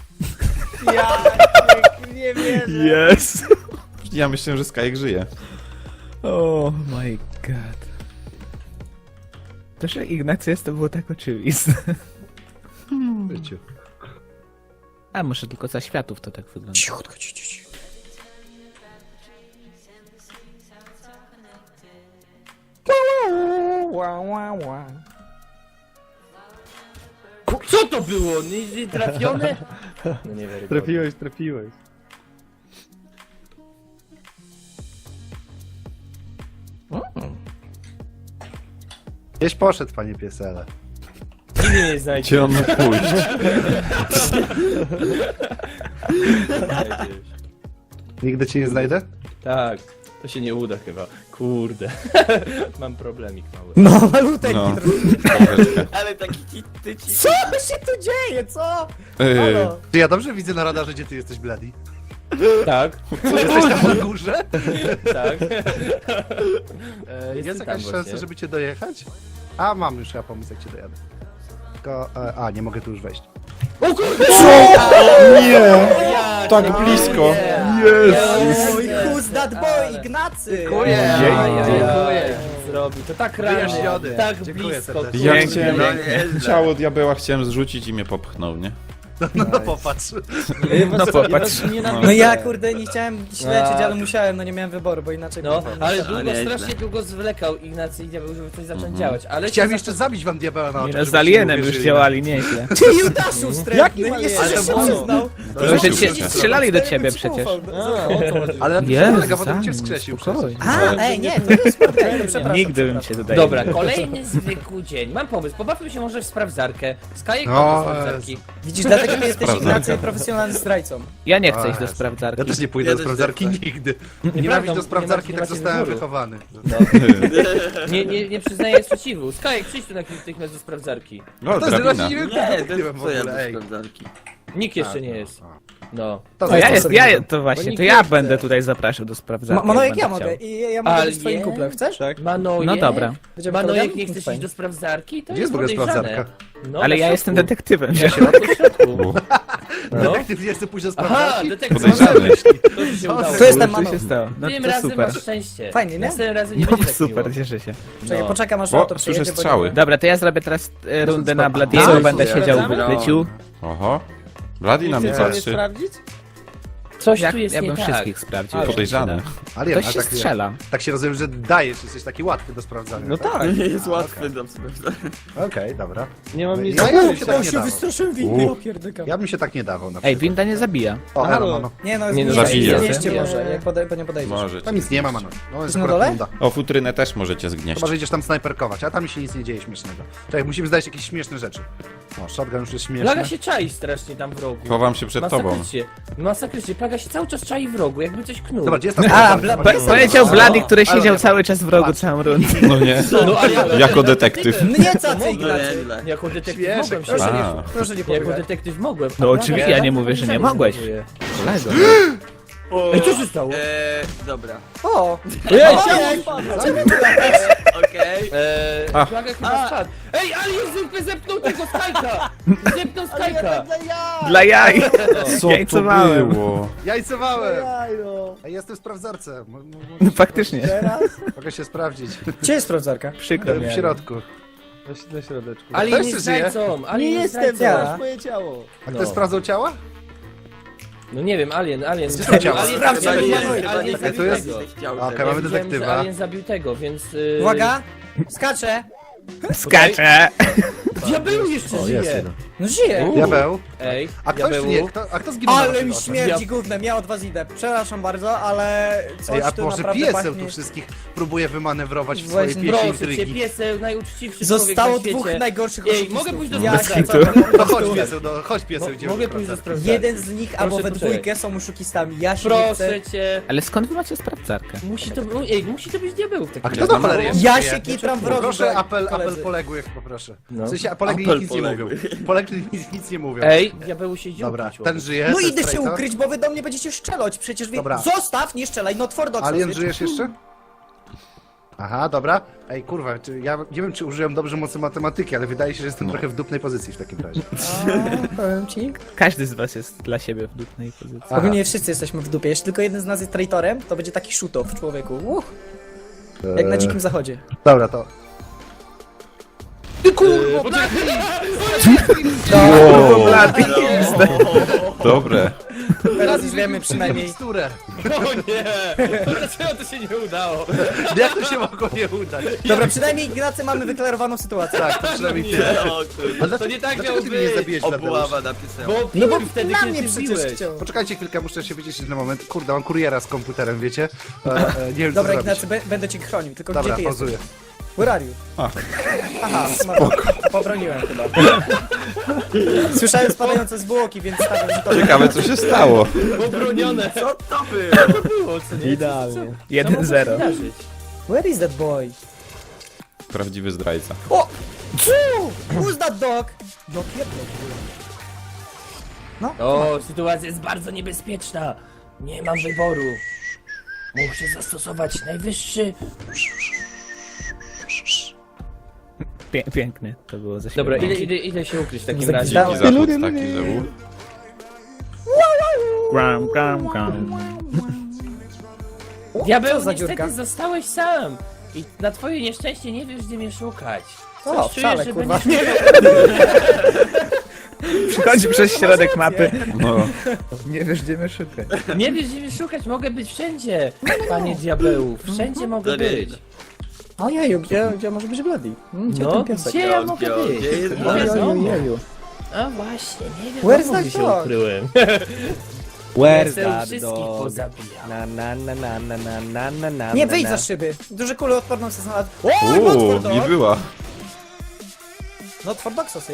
Speaker 6: Nie wierzę.
Speaker 5: Yes!
Speaker 1: ja myślę, że Skajek żyje.
Speaker 5: Oh my god. To, że Ignacy jest, to było tak oczywiste.
Speaker 2: W życiu.
Speaker 5: A może tylko za światów to tak wygląda.
Speaker 3: Cichutko, cicho.
Speaker 4: Co to było? Nie trafione? No nie wiem.
Speaker 6: Trafiłeś.
Speaker 2: Gdzieś poszedł, panie piesele.
Speaker 4: Nigdy nie znajdzie.
Speaker 1: Gdzie on mógł pójść?
Speaker 2: Nigdy cię nie znajdę?
Speaker 4: Tak, to się nie uda chyba. Kurde. Mam problemik mały.
Speaker 3: No, maluteńki
Speaker 1: No.
Speaker 3: trochę.
Speaker 7: Ale taki ty ci...
Speaker 3: Co się tu dzieje, co?
Speaker 1: Yy,
Speaker 3: Halo?
Speaker 2: Czy ja dobrze widzę na radarze, gdzie ty jesteś, Bloody?
Speaker 4: Tak,
Speaker 2: Jesteś tam na górze?
Speaker 4: tak.
Speaker 2: Jest
Speaker 4: Jestem tam
Speaker 2: jakaś szansa,
Speaker 4: właśnie.
Speaker 2: żeby cię dojechać? A, mam już ja pomysł, jak cię dojadę. Tylko, nie mogę tu już wejść.
Speaker 4: O kurde!
Speaker 1: Nie! Tak blisko!
Speaker 3: Oj, who's that boy, Ignacy?
Speaker 2: Dziękuję.
Speaker 4: Dziękuję. Zrobił to tak rano,
Speaker 2: Wyjaśniony.
Speaker 4: tak
Speaker 2: Dziękuję
Speaker 4: blisko.
Speaker 2: serdecznie.
Speaker 1: Ja
Speaker 5: Pięknie,
Speaker 1: chciałem...
Speaker 7: pięknie.
Speaker 1: Ciało diabeła chciałem zrzucić i mnie popchnął, nie?
Speaker 2: No popatrz.
Speaker 5: No popatrz.
Speaker 3: No ja, kurde, nie chciałem śledzić, ale musiałem, no nie miałem wyboru, bo inaczej...
Speaker 4: No,
Speaker 3: kurwa,
Speaker 4: ale
Speaker 3: nie
Speaker 4: długo,
Speaker 7: nieźle.
Speaker 4: strasznie długo zwlekał Ignacy i diabeł, żeby coś zacząć działać, ale...
Speaker 2: Chciałem
Speaker 4: się
Speaker 2: jeszcze zabić wam diabeła na
Speaker 5: Nie
Speaker 2: oczach,
Speaker 5: no, z
Speaker 2: żebyście
Speaker 5: Alienem
Speaker 2: nie
Speaker 5: już
Speaker 2: uwierzyli.
Speaker 5: działali nieźle.
Speaker 3: Ty, Judaszu, strętny, jeszcze
Speaker 2: Ale
Speaker 3: się
Speaker 2: to było-
Speaker 3: przyznał.
Speaker 5: To, że
Speaker 1: Rzucił
Speaker 5: cię
Speaker 1: się.
Speaker 5: strzelali do ciebie przecież.
Speaker 2: Ale na tym
Speaker 5: Jezu,
Speaker 2: polega, potem cię
Speaker 5: sam,
Speaker 2: wskrzesił
Speaker 5: spokojnie.
Speaker 2: przecież.
Speaker 3: A, nie, to jest okej, to przepraszam.
Speaker 5: Nigdy bym
Speaker 3: przepraszam.
Speaker 5: się tutaj
Speaker 4: Dobra,
Speaker 5: nie
Speaker 4: kolejny zwykły dzień. Mam pomysł, pobawmy się może w sprawdzarkę. Skajek
Speaker 2: No,
Speaker 4: do sprawdzarki.
Speaker 3: Widzisz, dlatego ty jesteś
Speaker 1: Sprawdzam.
Speaker 3: Ignacy profesjonalnym zdrajcą.
Speaker 5: Ja nie chcę
Speaker 2: O
Speaker 5: iść do
Speaker 2: Jezu.
Speaker 5: sprawdzarki.
Speaker 2: Ja też nie pójdę
Speaker 7: Ja
Speaker 2: do
Speaker 7: też
Speaker 2: sprawdzarki
Speaker 7: nie chcę.
Speaker 2: nigdy.
Speaker 4: Nieprawda,
Speaker 2: Nienawiść do
Speaker 4: nie
Speaker 2: sprawdzarki,
Speaker 4: macie
Speaker 2: tak zostałem
Speaker 4: wyboru.
Speaker 2: wychowany.
Speaker 4: Nie przyznaję sprzeciwu. Skajek, przyjdź tu natychmiast do sprawdzarki.
Speaker 1: No,
Speaker 2: To jest
Speaker 1: drabina.
Speaker 2: właśnie nie wiem,
Speaker 7: Nie,
Speaker 2: kto
Speaker 7: to
Speaker 2: byłem w
Speaker 7: co ja
Speaker 2: ogóle,
Speaker 7: do
Speaker 2: ej.
Speaker 7: sprawdzarki.
Speaker 4: Nikt jeszcze nie jest. No.
Speaker 2: To
Speaker 5: No ja
Speaker 2: zostaw
Speaker 5: jest,
Speaker 2: sobie
Speaker 5: ja,
Speaker 2: to.
Speaker 5: to właśnie,
Speaker 4: nikt
Speaker 5: to
Speaker 4: nie
Speaker 5: ja
Speaker 4: chce.
Speaker 5: będę tutaj zapraszał do sprawdzarki.
Speaker 3: Manojek,
Speaker 5: jak
Speaker 3: ja
Speaker 5: będę
Speaker 3: mogę
Speaker 5: chciał.
Speaker 3: i ja mogę być twoim
Speaker 4: Ale
Speaker 3: kumplem, chcesz?
Speaker 4: Manojek?
Speaker 5: No dobra.
Speaker 3: Będziemy
Speaker 4: Manojek,
Speaker 3: kolegami?
Speaker 4: nie chcesz
Speaker 3: Fajnie.
Speaker 4: iść do sprawdzarki? To
Speaker 2: Gdzie jest w ogóle
Speaker 4: podejrzane.
Speaker 2: sprawdzarka?
Speaker 4: No,
Speaker 5: Ale
Speaker 4: na
Speaker 5: ja
Speaker 4: środku.
Speaker 5: jestem detektywem. Nie?
Speaker 4: Na środku. No.
Speaker 2: Detektyw nie chce pójść do
Speaker 4: Aha,
Speaker 2: sprawdzarki?
Speaker 4: detektyw.
Speaker 1: Podejrzany.
Speaker 4: To ci się udało.
Speaker 3: To jest ten
Speaker 5: Co się
Speaker 3: Manojek.
Speaker 5: stało? No
Speaker 4: Tym
Speaker 5: to
Speaker 4: razem
Speaker 5: super.
Speaker 4: masz szczęście.
Speaker 3: Fajnie, nie?
Speaker 4: Następnym razem nie
Speaker 5: No
Speaker 4: będzie tak
Speaker 5: super,
Speaker 4: miło.
Speaker 5: cieszę się.
Speaker 3: Czekaj,
Speaker 4: No.
Speaker 3: poczekam aż
Speaker 1: O,
Speaker 3: auto
Speaker 1: słyszę
Speaker 3: przyjedzie, bo
Speaker 1: strzały.
Speaker 3: nie-
Speaker 5: Dobra, to ja zrobię teraz rundę na
Speaker 2: A,
Speaker 5: Bladiego,
Speaker 2: co
Speaker 5: będę
Speaker 2: jest?
Speaker 5: siedział w
Speaker 7: Sprawdzamy?
Speaker 5: ukryciu.
Speaker 1: Oho. Bloody na mnie
Speaker 6: Chcecie mnie
Speaker 1: patrzy.
Speaker 6: sprawdzić?
Speaker 4: Coś
Speaker 5: Ja,
Speaker 4: tu jest
Speaker 5: ja
Speaker 4: nie
Speaker 5: bym
Speaker 4: tak.
Speaker 5: wszystkich sprawdził.
Speaker 1: Podejrzany.
Speaker 2: Alien,
Speaker 5: Ktoś
Speaker 2: a
Speaker 5: się
Speaker 2: tak,
Speaker 5: strzela.
Speaker 2: tak się rozumiem, że dajesz, jesteś taki łatwy do sprawdzania.
Speaker 6: No tak.
Speaker 7: Nie jest łatwy do sprawdzania.
Speaker 2: Okej, dobra.
Speaker 6: Nie mam nic
Speaker 2: Ja
Speaker 6: do
Speaker 2: bym się
Speaker 6: ukrycia.
Speaker 2: tak nie dawał.
Speaker 3: Wystraszyłem
Speaker 1: windy,
Speaker 3: ja pierdykam.
Speaker 2: Ja bym się tak nie dawał na
Speaker 5: Ej,
Speaker 2: przykład.
Speaker 5: winda nie zabija.
Speaker 2: O,
Speaker 6: Halo.
Speaker 2: elo, mano.
Speaker 3: Nie no,
Speaker 4: Nie, no,
Speaker 1: zabije.
Speaker 3: Znieście może, jak po nie podejdziesz.
Speaker 1: Możecie.
Speaker 2: Tam nic nie ma, mano. No, jest
Speaker 3: na
Speaker 2: akurat
Speaker 3: dole?
Speaker 2: runda.
Speaker 1: O, futrynę też możecie zgnieść.
Speaker 2: Chyba, że idziesz tam snajperkować, a tam się nic nie dzieje śmiesznego. Czekaj, musimy znaleźć jakieś śmieszne rzeczy. O, shotgun już jest śmieszny.
Speaker 4: Plaga się czai strasznie tam w rogu.
Speaker 1: Chowam się przed tobą.
Speaker 4: Masakrycznie. Plaga się cały czas czai w rogu, jakby coś knuł.
Speaker 2: Dobra, gdzie jest ta
Speaker 3: A,
Speaker 2: snajperka?
Speaker 3: bla-
Speaker 5: Powiedział Blady, który
Speaker 2: Ale
Speaker 5: siedział
Speaker 2: nie.
Speaker 5: cały czas w rogu
Speaker 2: Patrz.
Speaker 5: całą rundę.
Speaker 1: No nie.
Speaker 4: No, a ja
Speaker 1: Jako detektyw.
Speaker 3: Mnie cacy,
Speaker 7: No
Speaker 3: Ignacy.
Speaker 7: nieźle.
Speaker 4: jako detektyw
Speaker 2: Śmieszek,
Speaker 4: mogłem się...
Speaker 3: Proszę
Speaker 1: A.
Speaker 3: nie, proszę nie
Speaker 4: Jako
Speaker 3: pobiegać.
Speaker 4: detektyw mogłem.
Speaker 5: No
Speaker 4: A
Speaker 5: oczywiście,
Speaker 4: Plaga
Speaker 5: ja nie
Speaker 4: tak
Speaker 5: mówię, że nie
Speaker 4: podejrzanie
Speaker 5: mogłeś.
Speaker 4: zachowuje.
Speaker 5: Kolego.
Speaker 4: Ej, co się stało?
Speaker 7: Dobra.
Speaker 3: O!
Speaker 7: Okej.
Speaker 1: A.
Speaker 4: Plaga chyba spadł. Ej, Alien zepnął tego Skajka! Zepnął Skajka!
Speaker 5: Dla jaj.
Speaker 1: Co to
Speaker 5: Jajcowałem.
Speaker 1: było?
Speaker 2: Jajcowałem! Ej, jestem w sprawdzarce.
Speaker 5: No faktycznie.
Speaker 2: Mogę się sprawdzić.
Speaker 3: Gdzie jest sprawdzarka?
Speaker 5: Przykro mi.
Speaker 2: W środku.
Speaker 6: Na środeczku.
Speaker 4: Alien
Speaker 2: Ktoś
Speaker 4: jest
Speaker 2: żyje?
Speaker 4: zdrajcą! Alien
Speaker 6: Nie
Speaker 4: jest
Speaker 6: jestem,
Speaker 4: zdrajcą.
Speaker 6: to jest moje ciało.
Speaker 2: A
Speaker 4: No.
Speaker 2: ktoś sprawdzał ciała?
Speaker 4: No nie wiem, Alien.
Speaker 2: Gdzie są ciała?
Speaker 4: Alien
Speaker 3: Sprawdź,
Speaker 4: zabił
Speaker 3: nie,
Speaker 4: tego,
Speaker 3: nie,
Speaker 4: Alien
Speaker 2: nie,
Speaker 4: zabił
Speaker 2: tu jest-
Speaker 4: tego.
Speaker 2: Okej,
Speaker 4: Ja
Speaker 2: mamy
Speaker 4: widziałem, że
Speaker 2: detektywa.
Speaker 4: Alien zabił tego, więc...
Speaker 3: Uwaga! Skaczę!
Speaker 5: Skaczę.
Speaker 4: Diabeł jeszcze
Speaker 2: O, jest
Speaker 4: żyje!
Speaker 2: jeden.
Speaker 3: No żyje!
Speaker 2: Diabeł.
Speaker 6: Ej,
Speaker 2: A ktoś
Speaker 6: diabełu.
Speaker 2: nie, a kto zginął na
Speaker 3: Ale
Speaker 2: naszych
Speaker 3: mi
Speaker 2: oczach?
Speaker 3: śmierdzi gównem, ja od was idę. Przepraszam bardzo, ale coś
Speaker 2: Ej, a
Speaker 3: tu
Speaker 2: może
Speaker 3: naprawdę
Speaker 2: pieseł
Speaker 3: pachnie.
Speaker 2: tu wszystkich próbuje wymanewrować w swojej
Speaker 3: Właśnie,
Speaker 2: pieśni
Speaker 4: Proszę cię,
Speaker 2: intrygi.
Speaker 4: pieseł, najuczciwszy
Speaker 3: Zostało
Speaker 4: człowiek na
Speaker 3: dwóch
Speaker 4: świecie.
Speaker 3: najgorszych
Speaker 4: Ej,
Speaker 3: oszukistów.
Speaker 4: mogę pójść do
Speaker 3: Ja
Speaker 4: sprawdzenia?
Speaker 3: się
Speaker 2: No chodź pieseł, no chodź pieseł, idziemy
Speaker 4: Mogę
Speaker 2: do
Speaker 4: pójść do
Speaker 2: sprawdzarki.
Speaker 4: sprawdzenia?
Speaker 3: Jeden z nich albo we
Speaker 4: poczekaj.
Speaker 3: dwójkę są oszukistami. Ja się nie chcę.
Speaker 4: Proszę cię.
Speaker 5: Ale skąd wy macie sprawdzarkę?
Speaker 4: Musi to być diabeł w
Speaker 2: A
Speaker 4: takim
Speaker 2: kto
Speaker 4: razie.
Speaker 2: do cholery jest?
Speaker 3: Ja
Speaker 2: żyje?
Speaker 3: się kitram w rogu.
Speaker 2: Proszę,
Speaker 3: do
Speaker 2: apel
Speaker 3: koledzy.
Speaker 2: poległych, poproszę.
Speaker 4: No.
Speaker 2: W sensie, polegli
Speaker 7: Apel
Speaker 2: nic nie mówią.
Speaker 7: poległych.
Speaker 2: Polegli nic nie mówią.
Speaker 4: Ej, diabeł się dziób.
Speaker 2: Dobra, ten żyje.
Speaker 3: No
Speaker 2: ten
Speaker 3: idę się
Speaker 2: strajca.
Speaker 3: ukryć, bo wy do mnie będziecie strzelać. Przecież wy...
Speaker 2: Dobra.
Speaker 3: Zostaw, nie strzelaj, no twardo.
Speaker 2: Alien, żyjesz jeszcze? Aha, dobra. Ej, kurwa, ja nie wiem, czy użyłem dobrze mocy matematyki, ale wydaje się, że jestem trochę w dupnej pozycji w takim razie.
Speaker 3: Powiem ci.
Speaker 5: Każdy z was jest dla siebie w dupnej pozycji.
Speaker 2: Aha.
Speaker 3: Ogólnie wszyscy jesteśmy w dupie. Jeśli tylko jeden z nas jest traitorem, to będzie taki shoot-off człowieku. Jak na dzikim zachodzie.
Speaker 2: Dobra, to... Ty kurwa!
Speaker 1: Wow, dobre.
Speaker 3: Teraz już wiemy przynajmniej.
Speaker 2: Miksturę.
Speaker 4: O nie! Dlaczego to się nie udało?
Speaker 2: Jak to się mogło nie udać?
Speaker 3: Dobra, przynajmniej Ignacy mamy wyklarowaną sytuację.
Speaker 2: Tak, to przynajmniej tyle.
Speaker 7: O kurde.
Speaker 4: To nie tak
Speaker 2: Dlaczego
Speaker 4: miało
Speaker 2: ty mnie nie
Speaker 4: być.
Speaker 2: zabiłeś, Tadeusz?
Speaker 7: Obława napisała.
Speaker 4: Bo
Speaker 3: No bo
Speaker 4: piłem wtedy,
Speaker 3: na
Speaker 4: kiedy
Speaker 3: mnie
Speaker 4: ty
Speaker 3: przecież
Speaker 4: biłeś.
Speaker 3: chciał.
Speaker 2: Poczekajcie chwilkę, muszę się wyciszyć na moment. Kurde, mam kuriera z komputerem, wiecie? Nie wiem,
Speaker 3: Dobra,
Speaker 2: co
Speaker 3: Ignacy,
Speaker 2: zrobić.
Speaker 3: będę cię chronił, tylko
Speaker 2: Dobra,
Speaker 3: gdzie ty jesteś?
Speaker 2: pauzuję.
Speaker 3: Where are you?
Speaker 1: A.
Speaker 3: Aha, pobroniłem chyba. Słyszałem spadające zwłoki, więc stawiam, że to...
Speaker 1: Ciekawe, co się stało.
Speaker 4: Obronione.
Speaker 7: Co to było?
Speaker 4: Było, co nie?
Speaker 6: Idealnie.
Speaker 5: 1-0.
Speaker 4: Zdarzyć.
Speaker 3: Where is that boy?
Speaker 1: Prawdziwy zdrajca.
Speaker 3: O! Who's that dog? No pierdol.
Speaker 4: O, sytuacja jest bardzo niebezpieczna. Nie mam wyboru. Muszę zastosować najwyższy...
Speaker 5: Piękny to było ze
Speaker 4: Dobra,
Speaker 5: środka.
Speaker 4: idę się ukryć w takim
Speaker 3: Za-
Speaker 4: razie.
Speaker 1: Dziki zachód taki, że był.
Speaker 5: Gram, gram, gram.
Speaker 4: Diabeł,
Speaker 3: Co za
Speaker 4: niestety
Speaker 3: dziurka?
Speaker 4: zostałeś sam. I na twoje nieszczęście nie wiesz, gdzie mnie szukać.
Speaker 3: O,
Speaker 4: Coś
Speaker 3: wcale,
Speaker 4: czuję, że
Speaker 3: kurwa.
Speaker 4: będziesz...
Speaker 5: Przychodzi przez środek mapy.
Speaker 1: No.
Speaker 5: Nie wiesz, gdzie mnie szukać.
Speaker 4: Nie wiesz, gdzie mnie szukać, mogę być wszędzie, panie diabeł. Wszędzie mogę być.
Speaker 3: Ojeju, gdzie może być Bloody? Gdzie
Speaker 4: No,
Speaker 3: ten piesek?
Speaker 4: gdzie ja mogę być?
Speaker 7: Gdzie jest
Speaker 4: Nie
Speaker 7: Bloody?
Speaker 4: wiadomo.
Speaker 3: Ojeju.
Speaker 4: A właśnie, nie wiem,
Speaker 3: Where's that
Speaker 4: gdzie się
Speaker 3: dog?
Speaker 4: ukryłem.
Speaker 6: Where's
Speaker 4: Chcę
Speaker 6: that
Speaker 4: wszystkich
Speaker 6: dog?
Speaker 4: pozabijał.
Speaker 6: Na na na na na na na na na
Speaker 3: Nie,
Speaker 6: na,
Speaker 3: wyjdź
Speaker 6: na.
Speaker 3: za szyby. Duże kule odporną se znalazł. O, not
Speaker 1: Uuu,
Speaker 3: for
Speaker 1: nie
Speaker 3: dog.
Speaker 1: była.
Speaker 3: Not for dog sausage.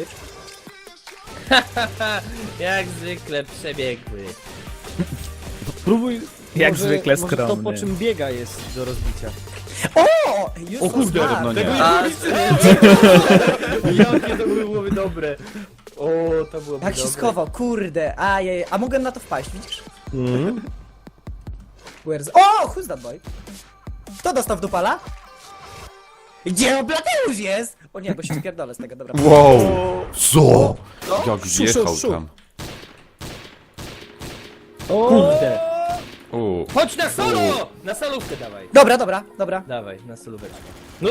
Speaker 4: Jak zwykle przebiegły.
Speaker 6: Próbuj.
Speaker 5: Jak
Speaker 6: może,
Speaker 5: zwykle
Speaker 6: może to,
Speaker 5: skromny.
Speaker 6: po czym biega, jest do rozbicia.
Speaker 3: O!
Speaker 4: O kurde,
Speaker 3: no,
Speaker 7: A,
Speaker 4: Jakie to byłoby dobre. O, to byłoby
Speaker 3: Jak się
Speaker 4: dobre.
Speaker 3: schował, kurde. A mogłem na to wpaść, widzisz?
Speaker 6: Mhm.
Speaker 3: Where's... O! Who's that boy? Kto dostał w dupala? Gdzie Blateusz jest? O nie, bo się spierdolę z tego, dobra.
Speaker 1: Wow. Co? Jak
Speaker 3: Szu,
Speaker 1: wjechał
Speaker 3: szu.
Speaker 1: tam.
Speaker 4: Kurde.
Speaker 1: Uuu.
Speaker 4: Chodź na solo! Na solówkę dawaj.
Speaker 3: Dobra.
Speaker 4: Dawaj, na solóweczkę. No,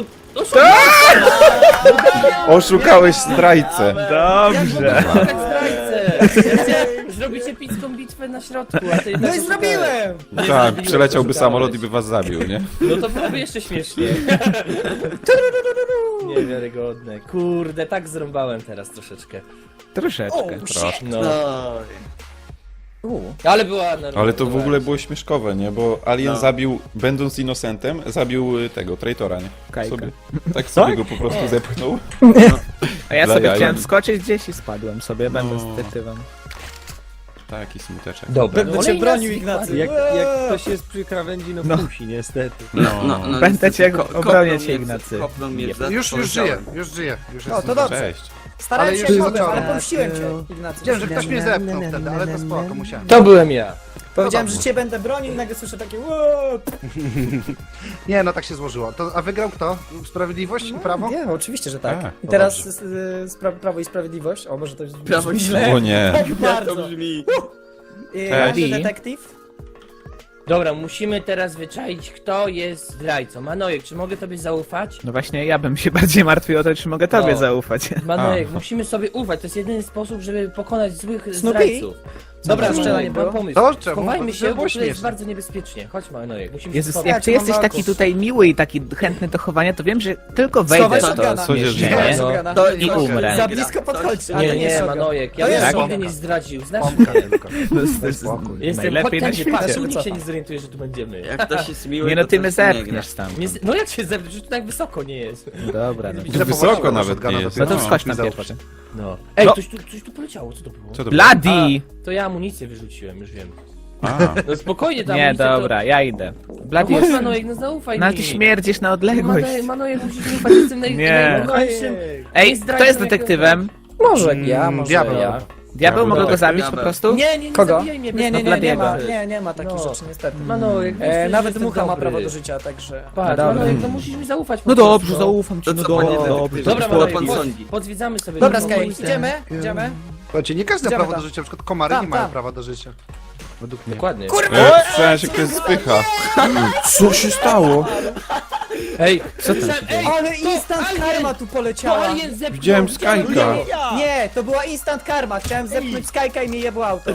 Speaker 1: Oszukałeś zdrajcę.
Speaker 5: Dobrze.
Speaker 4: Zrobicie epicką bitwę na środku, a ty
Speaker 3: No i zrobiłem!
Speaker 1: Tak, przeleciałby samolot i by was zabił, nie?
Speaker 4: No to byłoby jeszcze śmiesznie. Niewiarygodne. Kurde, tak zrąbałem teraz troszeczkę.
Speaker 5: Troszeczkę.
Speaker 1: Troszkę.
Speaker 4: No.
Speaker 7: no.
Speaker 4: Ale była normalna.
Speaker 1: Ale to w ogóle było śmieszkowe, nie? Bo Alien zabił, będąc innocentem, zabił tego, traitora, nie?
Speaker 5: Kajka.
Speaker 1: Tak sobie go po prostu zepchnął.
Speaker 5: A ja
Speaker 1: Dla
Speaker 5: sobie
Speaker 1: jaj.
Speaker 5: chciałem skoczyć gdzieś i spadłem sobie, będąc detektywem.
Speaker 1: Taki smuteczek.
Speaker 4: Dobra,
Speaker 3: Będę cię bronił, Ignacy.
Speaker 6: Jak ktoś jest przy krawędzi, no,
Speaker 5: No.
Speaker 6: musi, niestety.
Speaker 5: Będę
Speaker 7: niestety
Speaker 5: cię
Speaker 7: kopnął
Speaker 5: obronię
Speaker 7: mnie
Speaker 5: cię,
Speaker 7: w-
Speaker 5: Ignacy.
Speaker 7: Kopnął mnie w
Speaker 2: Już żyję,
Speaker 7: powiedziałem.
Speaker 2: już żyję. Już
Speaker 3: O,
Speaker 2: jestem.
Speaker 3: to dobrze.
Speaker 1: Cześć.
Speaker 3: Starałem
Speaker 2: Ale
Speaker 3: się
Speaker 2: już
Speaker 3: jak mogłem,
Speaker 2: zacząłem.
Speaker 3: ale pomściłem cię, Ignacy.
Speaker 2: Wiedziałem, że ktoś mnie zepchnął wtedy, ale to spoko, musiałem.
Speaker 4: To byłem ja.
Speaker 3: Powiedziałem, że cię będę bronił i nagle słyszę takie "Ło!"
Speaker 2: Nie, no tak się złożyło. A wygrał kto? Sprawiedliwość i prawo?
Speaker 3: Nie, oczywiście, że tak.
Speaker 1: A,
Speaker 3: I
Speaker 1: no
Speaker 3: teraz
Speaker 1: dobrze.
Speaker 3: Prawo i Sprawiedliwość. O, może to jest
Speaker 7: Prawo i
Speaker 3: źle.
Speaker 1: O nie.
Speaker 3: Tak
Speaker 7: Jak
Speaker 3: bardzo.
Speaker 7: to brzmi?
Speaker 3: Każdy detektyw?
Speaker 4: Dobra, musimy teraz wyczaić, kto jest zdrajcą. Manojek, czy mogę tobie zaufać?
Speaker 5: No właśnie, ja bym się bardziej martwił o to, czy mogę tobie
Speaker 4: No.
Speaker 5: zaufać.
Speaker 4: Manojek,
Speaker 1: A.
Speaker 4: musimy sobie ufać. To jest jedyny sposób, żeby pokonać złych
Speaker 3: Snoopy?
Speaker 4: zdrajców.
Speaker 3: Dobra,
Speaker 4: Mam
Speaker 3: strzelanie było.
Speaker 4: pomysł.
Speaker 2: To czemu?
Speaker 4: Chowajmy się,
Speaker 2: To
Speaker 4: bo
Speaker 2: było
Speaker 4: to jest
Speaker 2: śmieszne.
Speaker 4: bardzo niebezpiecznie. Chodź, Manojek, musimy się
Speaker 5: Jezus,
Speaker 4: schować.
Speaker 5: jak ty jesteś taki tutaj miły i taki chętny do chowania, to wiem, że tylko wejdę
Speaker 3: Schowaj
Speaker 5: w to
Speaker 3: shotguna.
Speaker 1: Sądzisz, że
Speaker 5: zmierzenie
Speaker 1: nie?
Speaker 4: No.
Speaker 7: To
Speaker 5: i umrę.
Speaker 3: Za blisko podchodź. a
Speaker 4: Nie,
Speaker 3: to
Speaker 4: nie,
Speaker 3: shotgun.
Speaker 4: Manojek, ja
Speaker 3: To
Speaker 4: bym
Speaker 3: jest
Speaker 4: się nigdy
Speaker 2: bombka.
Speaker 4: nie zdradził. Znasz
Speaker 2: Bombka
Speaker 4: mnie.
Speaker 2: tylko. Daj spokój.
Speaker 4: Jestem
Speaker 5: Najlepiej na
Speaker 4: chodź tędy, patrz,
Speaker 5: świecie.
Speaker 4: tu nikt się nie zorientuje, że tu będziemy.
Speaker 7: Jak ktoś jest miły,
Speaker 5: Nie no,
Speaker 7: to
Speaker 5: ty
Speaker 7: coś
Speaker 5: mnie
Speaker 7: nie gra.
Speaker 5: zepchniesz tam.
Speaker 4: No jak się zebrać, że tu tak wysoko nie jest.
Speaker 5: Dobra, no.
Speaker 2: Ile
Speaker 1: Wysoko
Speaker 2: powaliło
Speaker 1: nawet
Speaker 2: shotguna
Speaker 1: nie
Speaker 2: do
Speaker 1: jest.
Speaker 2: tyłu?
Speaker 5: No to wskocz
Speaker 2: mi
Speaker 5: na
Speaker 2: zaufaj.
Speaker 5: pierwszy.
Speaker 4: No. Ej,
Speaker 5: No.
Speaker 4: coś tu poleciało, co to było?
Speaker 1: Co to było?
Speaker 5: Bloody!
Speaker 4: To ja amunicję wyrzuciłem, już wiem.
Speaker 1: A,
Speaker 4: No spokojnie, ta
Speaker 5: Nie,
Speaker 4: amunicja
Speaker 5: dobra, ja idę.
Speaker 4: To...
Speaker 5: Bloody
Speaker 4: No chodź,
Speaker 5: jest...
Speaker 4: Manojek, no zaufaj
Speaker 5: No ale
Speaker 4: mi.
Speaker 5: ty śmierdzisz na odległość.
Speaker 4: Manojek, musisz mi ufać, jestem
Speaker 5: Nie.
Speaker 4: najgorszym.
Speaker 5: Ej, kto jest detektywem?
Speaker 3: Może ja, może
Speaker 2: Diabeł.
Speaker 3: ja.
Speaker 5: Diabeł, mogę go
Speaker 1: Diabeł.
Speaker 5: zabić po prostu?
Speaker 4: Nie
Speaker 3: Kogo?
Speaker 4: zabijaj mnie.
Speaker 3: Nie,
Speaker 4: bez
Speaker 3: nie ma,
Speaker 4: problemu.
Speaker 3: nie ma takich
Speaker 4: No.
Speaker 3: rzeczy niestety.
Speaker 4: Manojek, wiesz,
Speaker 3: Nawet
Speaker 4: jestem
Speaker 3: mucha ma
Speaker 4: dobry.
Speaker 3: prawo do życia, także...
Speaker 4: Patrz,
Speaker 5: Dobra.
Speaker 4: Manojek, no musisz mi zaufać po
Speaker 5: No
Speaker 4: prostu,
Speaker 5: dobrze,
Speaker 4: no.
Speaker 5: zaufam ci,
Speaker 7: To
Speaker 5: no
Speaker 7: co, panie
Speaker 5: dobrze.
Speaker 7: detektywie?
Speaker 4: Dobra,
Speaker 7: Co
Speaker 4: Manojek,
Speaker 7: pan
Speaker 4: chodź,
Speaker 7: sądzi?
Speaker 4: podzwiedzamy sobie.
Speaker 3: Dobra,
Speaker 4: tą
Speaker 3: Sky,
Speaker 4: ulicę.
Speaker 3: idziemy?
Speaker 2: Słuchajcie, nie każdy ma
Speaker 3: Idziemy
Speaker 2: prawo do
Speaker 3: tam.
Speaker 2: życia, na przykład komary
Speaker 3: Tam,
Speaker 2: nie mają
Speaker 3: tam.
Speaker 2: prawa do życia. Według mnie.
Speaker 4: Dokładnie.
Speaker 1: słyszałem się, ktoś spycha. Co się stało?
Speaker 4: Ej,
Speaker 5: Co to?
Speaker 3: Ale instant karma tu
Speaker 4: to
Speaker 3: poleciała!
Speaker 4: alien zepchnął.
Speaker 1: Widziałem Skyka.
Speaker 3: Nie, to była instant karma. Chciałem zepchnąć Skyka i mnie jebło auto.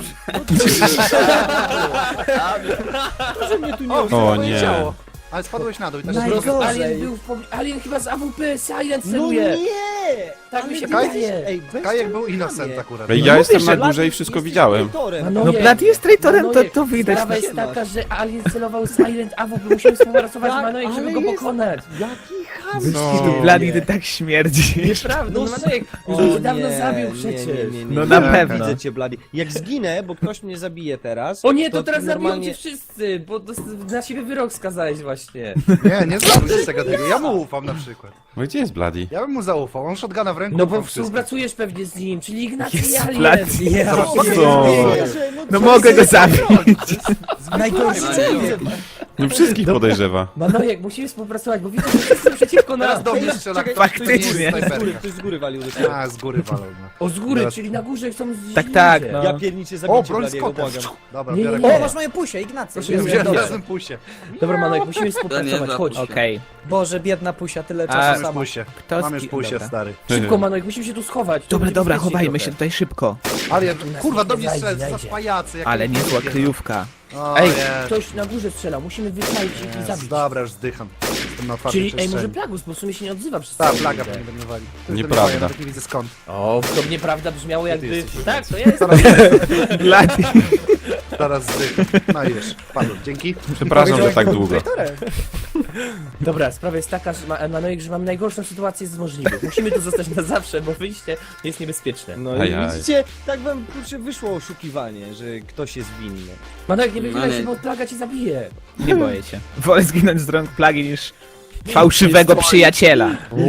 Speaker 1: O nie.
Speaker 2: Ciało. Ale spadłeś na dół i tak
Speaker 3: Naj-
Speaker 2: się
Speaker 3: Najgorzej.
Speaker 4: Alien był alien chyba z AWP, Silent celuje. Tak mi się
Speaker 2: Kaj,
Speaker 4: wydaje.
Speaker 6: Ej, bez
Speaker 2: Kajek
Speaker 6: czemu
Speaker 2: był
Speaker 6: nie
Speaker 2: innocent
Speaker 6: wie?
Speaker 2: akurat.
Speaker 1: Ej,
Speaker 5: No
Speaker 1: ja
Speaker 5: mówisz,
Speaker 1: jestem na
Speaker 5: że
Speaker 1: górze i wszystko widziałem.
Speaker 5: No Bloody jest traitorem, to widać.
Speaker 4: Sprawa jest taka, że alien celował Silent AWP, musimy współpracować z Manojek, żeby
Speaker 6: ale
Speaker 4: go
Speaker 6: jest-
Speaker 4: pokonać.
Speaker 6: Jaki ham!
Speaker 1: No.
Speaker 5: Bloody, ty tak śmierdzisz.
Speaker 4: Nieprawda, no Manojek już
Speaker 6: O
Speaker 4: cię dawno
Speaker 6: nie,
Speaker 4: zabił
Speaker 6: nie,
Speaker 4: przecież.
Speaker 5: No
Speaker 2: nie.
Speaker 5: na
Speaker 2: Nie,
Speaker 5: pewno.
Speaker 6: Widzę cię, Blady. Jak zginę, bo ktoś mnie zabije teraz...
Speaker 4: O nie, to teraz zabiją
Speaker 6: normalnie...
Speaker 4: cię wszyscy, bo na siebie wyrok skazałeś właśnie.
Speaker 2: Nie zrobisz tego takiego. Ja mu ufam na przykład.
Speaker 1: No gdzie jest Bloody?
Speaker 2: Ja bym mu zaufał, on shotguna w ręku.
Speaker 4: No bo
Speaker 2: ufam wszystkim.
Speaker 4: współpracujesz pewnie z nim, czyli Ignacy i
Speaker 5: Jezu,
Speaker 4: Alien.
Speaker 5: Bloody.
Speaker 3: Ja.
Speaker 1: Co?
Speaker 5: No mogę go zabić.
Speaker 3: Najgorszy człowiek.
Speaker 1: No wszystkich podejrzewa.
Speaker 4: Manojek, musimy współpracować, bo widzę, że wszyscy przeciwko nas.
Speaker 2: Teraz do mnie strzela ktoś,
Speaker 5: Faktycznie.
Speaker 2: kto jest snajperka.
Speaker 6: Ktoś z góry walił do ciebie.
Speaker 2: A, z góry walą. No.
Speaker 4: O, z góry,
Speaker 2: Teraz-
Speaker 4: czyli na górze chcą zjeść
Speaker 5: Tak, tak,
Speaker 4: ludzie.
Speaker 5: no.
Speaker 6: Ja pierniczę,
Speaker 2: O,
Speaker 6: zabijcie
Speaker 2: broń z
Speaker 6: Bladiego,
Speaker 2: kotem.
Speaker 6: błagam.
Speaker 2: Dobra,
Speaker 4: Nie,
Speaker 2: biorę
Speaker 4: nie,
Speaker 3: O, masz moje pusie, Ignacy.
Speaker 4: Proszę,
Speaker 3: Jezu,
Speaker 2: Wziąłem
Speaker 3: dobrze.
Speaker 2: razem pusie.
Speaker 4: Dobra, Manojek, musimy
Speaker 7: To nie
Speaker 4: współpracować,
Speaker 7: za
Speaker 4: chodź.
Speaker 5: Okej.
Speaker 3: Boże, biedna pusia, tyle
Speaker 5: A,
Speaker 3: czasu
Speaker 2: Mam już
Speaker 3: sama.
Speaker 2: pusie.
Speaker 5: Kto
Speaker 2: Mam już
Speaker 5: ski-
Speaker 2: pusie,
Speaker 5: dobra.
Speaker 2: stary.
Speaker 4: Szybko, Manojek, musimy się tu schować. to
Speaker 5: Dobra,
Speaker 4: będzie
Speaker 5: dobra,
Speaker 4: bezpiecznie
Speaker 5: chowajmy
Speaker 4: trochę.
Speaker 5: się tutaj szybko.
Speaker 2: Ale ja,
Speaker 4: nas
Speaker 2: kurwa,
Speaker 4: nie
Speaker 2: do mnie
Speaker 4: znajdzie,
Speaker 2: strzelę,
Speaker 4: znajdzie.
Speaker 2: za pajacy. jak
Speaker 5: Ale
Speaker 2: to
Speaker 5: niezła
Speaker 2: idzie.
Speaker 5: kryjówka.
Speaker 2: O,
Speaker 4: Ej,
Speaker 2: jest.
Speaker 4: ktoś na górze strzela, musimy wypalić ich i
Speaker 2: Jest,
Speaker 4: zabić.
Speaker 2: Dobra, już zdycham. Jestem na otwartej
Speaker 4: Czyli, ej, może
Speaker 2: przestrzeni.
Speaker 4: Plagus, bo w sumie się nie odzywa przez
Speaker 2: Ta
Speaker 4: cały
Speaker 2: plaga
Speaker 4: dzień.
Speaker 2: pewnie będę walił. To jest
Speaker 1: Nieprawda.
Speaker 2: ten moja, ja nie widzę skąd.
Speaker 4: O, to nieprawda brzmiało jakby...
Speaker 2: jesteś
Speaker 4: Tak, to ja jestem.
Speaker 5: Bloody.
Speaker 2: Zaraz zdycham. No i już, padłem. Dzięki.
Speaker 1: Przepraszam, że tak długo.
Speaker 4: Dobra, sprawa jest taka, że Manojek, że mam najgorszą sytuację z możliwych. Musimy tu zostać na zawsze, bo wyjście jest niebezpieczne.
Speaker 6: No
Speaker 1: Ajaj.
Speaker 6: i widzicie, tak wam kurczę wyszło oszukiwanie, że ktoś jest winny.
Speaker 4: Manojek, nie wychylaj się,
Speaker 7: Manojek.
Speaker 4: bo plaga cię zabije.
Speaker 5: Nie boję się. Wolę zginąć z rąk plagi niż fałszywego przyjaciela.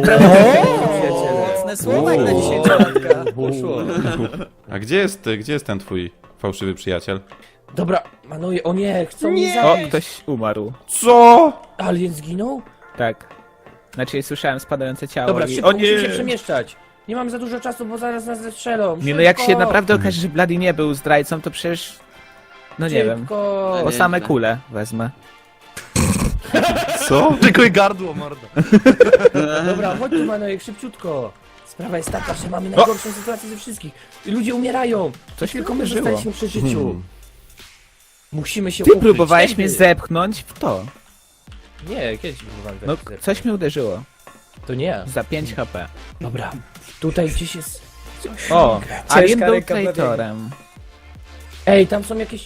Speaker 3: Mocne słowa jak na dziesięciolatka.
Speaker 4: Poszło.
Speaker 1: A gdzie jest ten twój fałszywy przyjaciel?
Speaker 4: Dobra, Manojek, o nie, chcą mnie
Speaker 5: O,
Speaker 4: zabić.
Speaker 5: ktoś umarł.
Speaker 1: Co?
Speaker 4: Alien zginął?
Speaker 5: Tak. Znaczy słyszałem spadające ciało
Speaker 4: Dobra,
Speaker 5: i...
Speaker 4: szybko,
Speaker 5: O
Speaker 4: musimy się
Speaker 5: nie!
Speaker 4: przemieszczać. Nie mam za dużo czasu, bo zaraz nas zestrzelą.
Speaker 5: Nie no, jak się
Speaker 4: Szybko,
Speaker 5: naprawdę okaże, że Bloody nie był zdrajcą, to przecież... No nie wiem.
Speaker 4: Szybko.
Speaker 5: O same kule wezmę.
Speaker 1: Co?
Speaker 2: Tylko i gardło, mordo.
Speaker 4: Dobra, chodź tu, Manojek, szybciutko. Sprawa jest taka, że mamy najgorszą sytuację ze wszystkich. Ludzie umierają.
Speaker 5: Coś
Speaker 4: Tylko
Speaker 5: mi
Speaker 4: my
Speaker 5: uderzyło.
Speaker 4: zostaliśmy przy życiu. Musimy się
Speaker 5: Ty
Speaker 4: ukryć.
Speaker 5: próbowałeś
Speaker 4: Ej,
Speaker 5: mnie
Speaker 4: ty.
Speaker 5: zepchnąć w to.
Speaker 4: Nie, kiedyś próbowałem
Speaker 5: No,
Speaker 4: zepchnąć.
Speaker 5: coś mnie uderzyło.
Speaker 4: To nie ja.
Speaker 5: Za 5 HP.
Speaker 4: Dobra, tutaj gdzieś jest coś.
Speaker 5: O, Alien był
Speaker 3: ręka
Speaker 5: traitorem.
Speaker 4: Ej, tam są jakieś...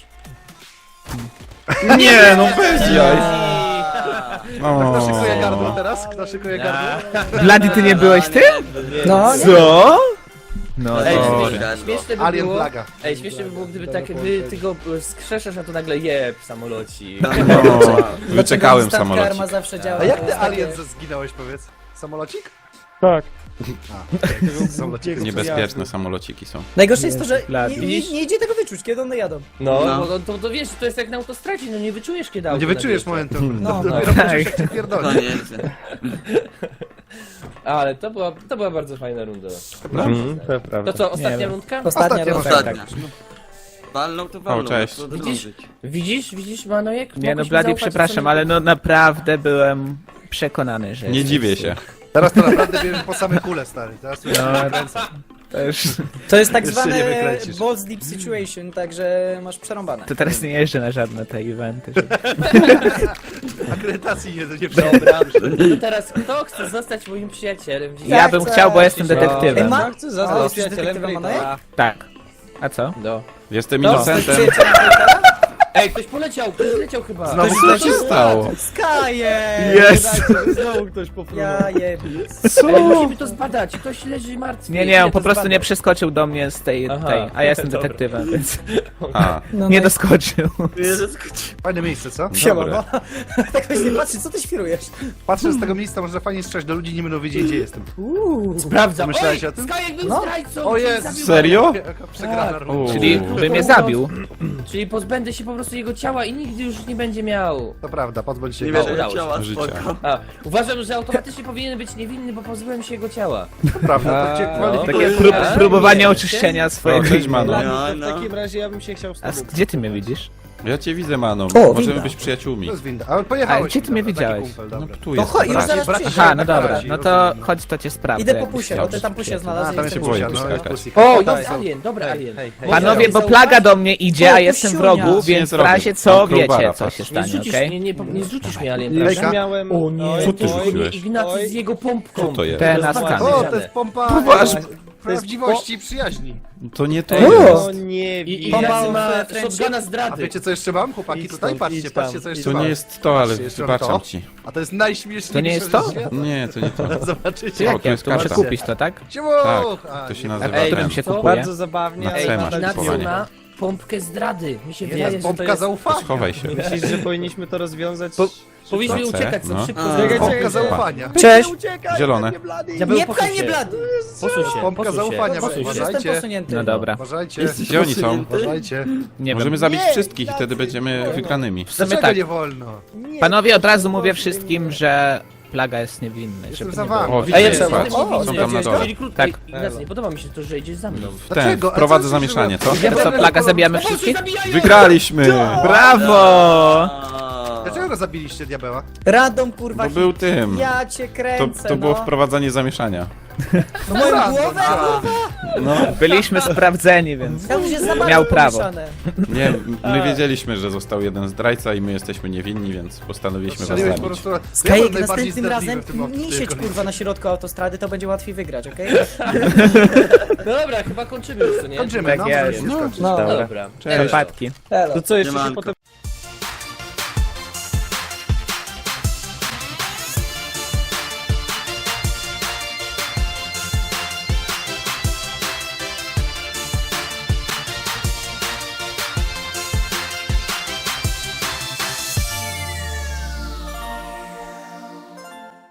Speaker 1: Nie, no bez jaj.
Speaker 2: Kto szykuje
Speaker 1: O.
Speaker 2: gardło teraz? Kto szykuje gardło?
Speaker 5: Bloody, ty nie byłeś ty?
Speaker 3: No, nie.
Speaker 5: Co? No
Speaker 4: Ej,
Speaker 5: to...
Speaker 4: śmieszne by
Speaker 2: Alien
Speaker 4: było...
Speaker 2: plaga.
Speaker 4: Ej, śmieszne by było, gdyby tak ty go skrzeszasz, a to nagle jeb samoloci.
Speaker 1: No, wyczekałem
Speaker 3: Instant
Speaker 1: samolocik.
Speaker 3: karma zawsze działa.
Speaker 2: A jak ty
Speaker 3: Takie-
Speaker 2: Alien zginąłeś, powiedz? Samolocik?
Speaker 6: Tak.
Speaker 2: Samolocik.
Speaker 1: Niebezpieczne samolociki są.
Speaker 3: Najgorsze jest to, że
Speaker 5: Bloody.
Speaker 3: nie idzie tego wyczuć, kiedy one jadą.
Speaker 4: No,
Speaker 7: No.
Speaker 4: bo to wiesz, to jest jak na autostradzie, no nie wyczujesz kiedy auto
Speaker 2: Nie wyczujesz
Speaker 4: nadjeżdża.
Speaker 2: momentu.
Speaker 3: No,
Speaker 2: Dopiero
Speaker 5: tak.
Speaker 2: poczuć, jak cię
Speaker 7: To
Speaker 2: pierdoli.
Speaker 7: nie jest.
Speaker 4: Ale to była bardzo fajna runda.
Speaker 6: To prawda.
Speaker 4: To co, ostatnia
Speaker 5: wiem.
Speaker 4: rundka?
Speaker 3: Ostatnia
Speaker 2: Ostatnia,
Speaker 3: runda.
Speaker 7: Ostatnia.
Speaker 5: tak.
Speaker 7: Walną to walną.
Speaker 1: cześć.
Speaker 7: co
Speaker 4: Widzisz?
Speaker 7: drążyć.
Speaker 4: Widzisz, Manojek?
Speaker 5: Nie no,
Speaker 4: Mogłeś mi
Speaker 5: Bloody,
Speaker 4: zaufać,
Speaker 5: przepraszam,
Speaker 4: co mi-
Speaker 5: ale no naprawdę byłem przekonany, że...
Speaker 1: Nie dziwię się.
Speaker 2: Teraz to naprawdę bierzesz po same kule, stary. Teraz już
Speaker 5: No.
Speaker 2: kręcę.
Speaker 3: To jest tak
Speaker 2: Jeszcze
Speaker 3: zwane
Speaker 2: nie wykręcisz.
Speaker 3: balls deep situation, także masz przerąbane.
Speaker 5: To teraz nie jeżdżę na żadne te eventy.
Speaker 2: Akredytacji nie
Speaker 4: Dobra, to teraz kto chce zostać moim przyjacielem?
Speaker 5: Ja bym chciał, bo jestem
Speaker 3: Ej,
Speaker 5: detektywem.
Speaker 3: ma...
Speaker 6: Chcę
Speaker 3: O,
Speaker 6: zostać
Speaker 3: jesteś
Speaker 6: przyjacielem
Speaker 3: detektywem,
Speaker 6: Bryta.
Speaker 5: Tak. A co?
Speaker 6: No.
Speaker 1: Jestem
Speaker 3: Jesteś
Speaker 1: innocentem.
Speaker 3: przyjacielem
Speaker 4: Ej, ktoś poleciał chyba.
Speaker 2: Znowu
Speaker 1: Co się stało?
Speaker 3: Skaje!
Speaker 6: Znowu ktoś popłynął.
Speaker 3: Ja jeb...
Speaker 4: Ej, musimy to zbadać, ktoś leży martwy.
Speaker 5: Nie,
Speaker 4: Idę
Speaker 5: on po
Speaker 4: to
Speaker 5: prostu
Speaker 4: zbadać.
Speaker 5: nie przeskoczył do mnie z tej,
Speaker 4: Aha.
Speaker 5: a ja jestem
Speaker 4: Dobra.
Speaker 5: detektywem, więc
Speaker 1: A,
Speaker 3: No,
Speaker 5: nie
Speaker 3: no,
Speaker 5: doskoczył.
Speaker 2: Fajne miejsce, co?
Speaker 3: Siema,
Speaker 1: Dobre.
Speaker 3: no. Tak właśnie patrzy, co ty świrujesz?
Speaker 2: Patrzę z tego miejsca, można fajnie strzelać do ludzi, nie będą wiedzieć, gdzie jestem.
Speaker 4: Sprawdzam.
Speaker 2: Pomyślałeś
Speaker 4: Oj,
Speaker 2: o tym?
Speaker 4: Skajek był
Speaker 3: No.
Speaker 4: zdrajcą.
Speaker 2: O
Speaker 4: czyli
Speaker 2: Jezu,
Speaker 4: zabił
Speaker 1: serio?
Speaker 2: Jaka przegrana
Speaker 4: Tak.
Speaker 2: runda.
Speaker 5: Czyli by mnie zabił.
Speaker 4: Czyli pozbędę się po prostu jego ciała i nigdy już nie będzie miał.
Speaker 2: To prawda, pozbądź się
Speaker 7: Nie
Speaker 2: go.
Speaker 7: wierzę,
Speaker 4: udało się.
Speaker 7: ciała,
Speaker 1: Życia.
Speaker 7: spoko.
Speaker 4: A, uważam, że automatycznie powinien być niewinny, bo pozbyłem się jego ciała.
Speaker 2: To prawda, to cię
Speaker 4: no.
Speaker 2: kwalifikuje.
Speaker 5: Takie
Speaker 4: A,
Speaker 5: próbowanie
Speaker 4: nie,
Speaker 5: oczyszczenia swojego
Speaker 1: O, cześć, Mano.
Speaker 6: Blady,
Speaker 7: No,
Speaker 6: to w
Speaker 7: no.
Speaker 6: takim razie ja bym się chciał z
Speaker 5: A
Speaker 6: tobą.
Speaker 5: gdzie ty mnie widzisz?
Speaker 1: Ja cię widzę, Mano.
Speaker 3: O,
Speaker 1: Możemy
Speaker 3: winda.
Speaker 1: być przyjaciółmi.
Speaker 2: To jest winda. Ale pojechałeś.
Speaker 5: A gdzie ty mnie
Speaker 2: dobra, taki
Speaker 5: widziałeś?
Speaker 2: kumpel,
Speaker 1: No
Speaker 2: dobra.
Speaker 1: tu
Speaker 3: No
Speaker 1: jest.
Speaker 3: chodź, już
Speaker 1: brat.
Speaker 3: zaraz
Speaker 2: braci,
Speaker 3: przyjdzie.
Speaker 5: Aha, no
Speaker 2: tak,
Speaker 5: dobra,
Speaker 2: razi,
Speaker 5: no to
Speaker 2: rozumiem.
Speaker 5: chodź, to cię sprawdzę.
Speaker 3: Idę po
Speaker 5: jakbyś
Speaker 3: pusie,
Speaker 5: chciał
Speaker 3: o, ty tam pusie
Speaker 5: być
Speaker 3: znalazłeś.
Speaker 2: A, tam
Speaker 3: i
Speaker 2: się
Speaker 3: chcę
Speaker 1: boję
Speaker 2: pusia,
Speaker 3: pusiać.
Speaker 2: no,
Speaker 1: skakać.
Speaker 2: pusik.
Speaker 4: O,
Speaker 2: Tak,
Speaker 4: jest alien, dobra alien.
Speaker 6: Hej, hej.
Speaker 5: Panowie, bo
Speaker 3: Zaufać?
Speaker 5: plaga do mnie idzie,
Speaker 3: O,
Speaker 5: a jestem w
Speaker 3: pusiunia.
Speaker 5: rogu,
Speaker 1: Nic nie
Speaker 5: więc w
Speaker 1: zrobię.
Speaker 5: razie
Speaker 1: Mam
Speaker 5: co
Speaker 1: crowbara,
Speaker 5: wiecie, co
Speaker 1: patrz.
Speaker 5: się
Speaker 4: Nie
Speaker 5: stanie,
Speaker 4: zrzucisz
Speaker 5: okej?
Speaker 4: mnie, nie zrzucisz mnie alien,
Speaker 6: Już
Speaker 4: prawda?
Speaker 6: miałem...
Speaker 3: O nie.
Speaker 6: Oj,
Speaker 1: Co ty
Speaker 6: oj,
Speaker 1: rzuciłeś?
Speaker 4: Ignacy
Speaker 6: oj.
Speaker 4: z jego pompką.
Speaker 1: Co to jest?
Speaker 5: Te na
Speaker 4: Rozwalone.
Speaker 5: stan.
Speaker 2: O, to jest pompa prawdziwości i przyjaźni.
Speaker 1: To nie to
Speaker 3: O!
Speaker 1: jest.
Speaker 6: No nie
Speaker 4: I
Speaker 6: wiem.
Speaker 4: Ignacy ma
Speaker 3: Pompa-
Speaker 4: shotguna
Speaker 2: A
Speaker 4: zdrady.
Speaker 2: wiecie co jeszcze mam, chłopaki?
Speaker 6: Idź
Speaker 2: Tutaj
Speaker 6: stąd,
Speaker 2: patrzcie,
Speaker 6: idź tam,
Speaker 2: patrzcie co jeszcze
Speaker 1: To
Speaker 2: mam.
Speaker 1: nie jest to, ale
Speaker 2: Patrzcie, jeszcze mam
Speaker 1: wybaczam
Speaker 2: to.
Speaker 1: ci.
Speaker 2: A to jest najśmieszniejsze.
Speaker 5: To nie jest to?
Speaker 2: rzecz świata.
Speaker 1: Nie, to nie to.
Speaker 2: Zobaczycie.
Speaker 1: O,
Speaker 5: Jak
Speaker 1: tu
Speaker 5: ja?
Speaker 1: jest
Speaker 5: To muszę
Speaker 1: karta.
Speaker 5: kupić to, tak?
Speaker 2: Ciuch!
Speaker 1: Tak, to się
Speaker 2: nie.
Speaker 1: nazywa
Speaker 4: Ej,
Speaker 1: ten.
Speaker 5: się
Speaker 4: co?
Speaker 5: kupuje?
Speaker 6: Bardzo zabawnie.
Speaker 1: Na
Speaker 6: ale
Speaker 1: C masz
Speaker 6: nadal
Speaker 4: Ignacy
Speaker 1: kupowanie.
Speaker 4: ma pompkę zdrady. Mi się
Speaker 2: Nie,
Speaker 4: wydaje,
Speaker 2: jest
Speaker 4: że to
Speaker 2: pompka
Speaker 4: jest...
Speaker 2: zaufania.
Speaker 1: Schowaj się.
Speaker 6: Myślisz, że powinniśmy to rozwiązać?
Speaker 4: Powinniśmy
Speaker 1: Na C,
Speaker 4: uciekać
Speaker 1: no.
Speaker 4: szybko.
Speaker 7: A.
Speaker 4: zrobić.
Speaker 2: Pompka zaufania.
Speaker 3: Cześć!
Speaker 1: Zielone.
Speaker 4: Diabeł,
Speaker 3: Nie
Speaker 4: posuń
Speaker 3: pchaj mnie,
Speaker 4: się.
Speaker 3: blady!
Speaker 4: Posuń się,
Speaker 2: Pompka
Speaker 4: posuń się,
Speaker 2: zaufania,
Speaker 4: posuń
Speaker 3: Już
Speaker 4: się.
Speaker 2: uważajcie.
Speaker 3: jestem posunięty.
Speaker 5: No dobra.
Speaker 2: Uważajcie.
Speaker 7: Jesteś
Speaker 1: Gdzie oni są?
Speaker 7: posunięty?
Speaker 2: Uważajcie.
Speaker 5: Nie wiem.
Speaker 1: Możemy zabić wszystkich i wtedy będziemy wygranymi.
Speaker 2: Dlaczego
Speaker 5: tak.
Speaker 2: nie wolno?
Speaker 5: Panowie, od razu mówię wszystkim, że plaga jest niewinny,
Speaker 2: Jestem
Speaker 5: żeby
Speaker 2: za
Speaker 5: nie
Speaker 2: wami.
Speaker 5: było.
Speaker 1: O,
Speaker 3: A
Speaker 1: widzicie,
Speaker 3: jeszcze
Speaker 1: patrz.
Speaker 3: o,
Speaker 1: Są tam na dole.
Speaker 4: Czyli krótko,
Speaker 5: Tak.
Speaker 4: Ignacy, nie podoba mi się to, że idziesz za mną.
Speaker 1: W ten,
Speaker 2: Dlaczego? A
Speaker 1: wprowadzę
Speaker 2: co
Speaker 1: zamieszanie, co?
Speaker 5: To co, plaga zabijamy wszystkich?
Speaker 1: Wygraliśmy!
Speaker 5: Brawo!
Speaker 7: A.
Speaker 2: Dlaczego go zabiliście, diabeła?
Speaker 3: Radom, kurwa,
Speaker 1: Bo był tym.
Speaker 3: ja cię
Speaker 1: To,
Speaker 3: kręcę,
Speaker 1: to było
Speaker 3: no.
Speaker 1: wprowadzanie zamieszania.
Speaker 3: No moją
Speaker 2: Radom,
Speaker 3: głowę,
Speaker 2: a.
Speaker 1: No,
Speaker 5: Byliśmy sprawdzeni, więc...
Speaker 3: ja już jest za bardzo
Speaker 5: Miał prawo.
Speaker 3: pomieszane.
Speaker 1: nie, my wiedzieliśmy, że został jeden zdrajca i my jesteśmy niewinni, więc postanowiliśmy was
Speaker 2: Strzeliłeś po
Speaker 1: zabić.
Speaker 2: prostu...
Speaker 3: Skajek,
Speaker 2: najbardziej
Speaker 3: następnym
Speaker 2: zdradliwy
Speaker 3: razem
Speaker 2: w tym
Speaker 3: nie siedź kurwa na środku autostrady, to będzie łatwiej wygrać, okej?
Speaker 4: Dobra, chyba kończymy już, co nie?
Speaker 2: Kończymy,
Speaker 5: Tak
Speaker 2: no,
Speaker 5: jest.
Speaker 2: możemy się skończyć.
Speaker 3: No.
Speaker 5: Dobra.
Speaker 4: Dobra.
Speaker 5: Przepadki.
Speaker 3: Elo.
Speaker 6: To co, jeszcze się
Speaker 7: Siemanko.
Speaker 6: potem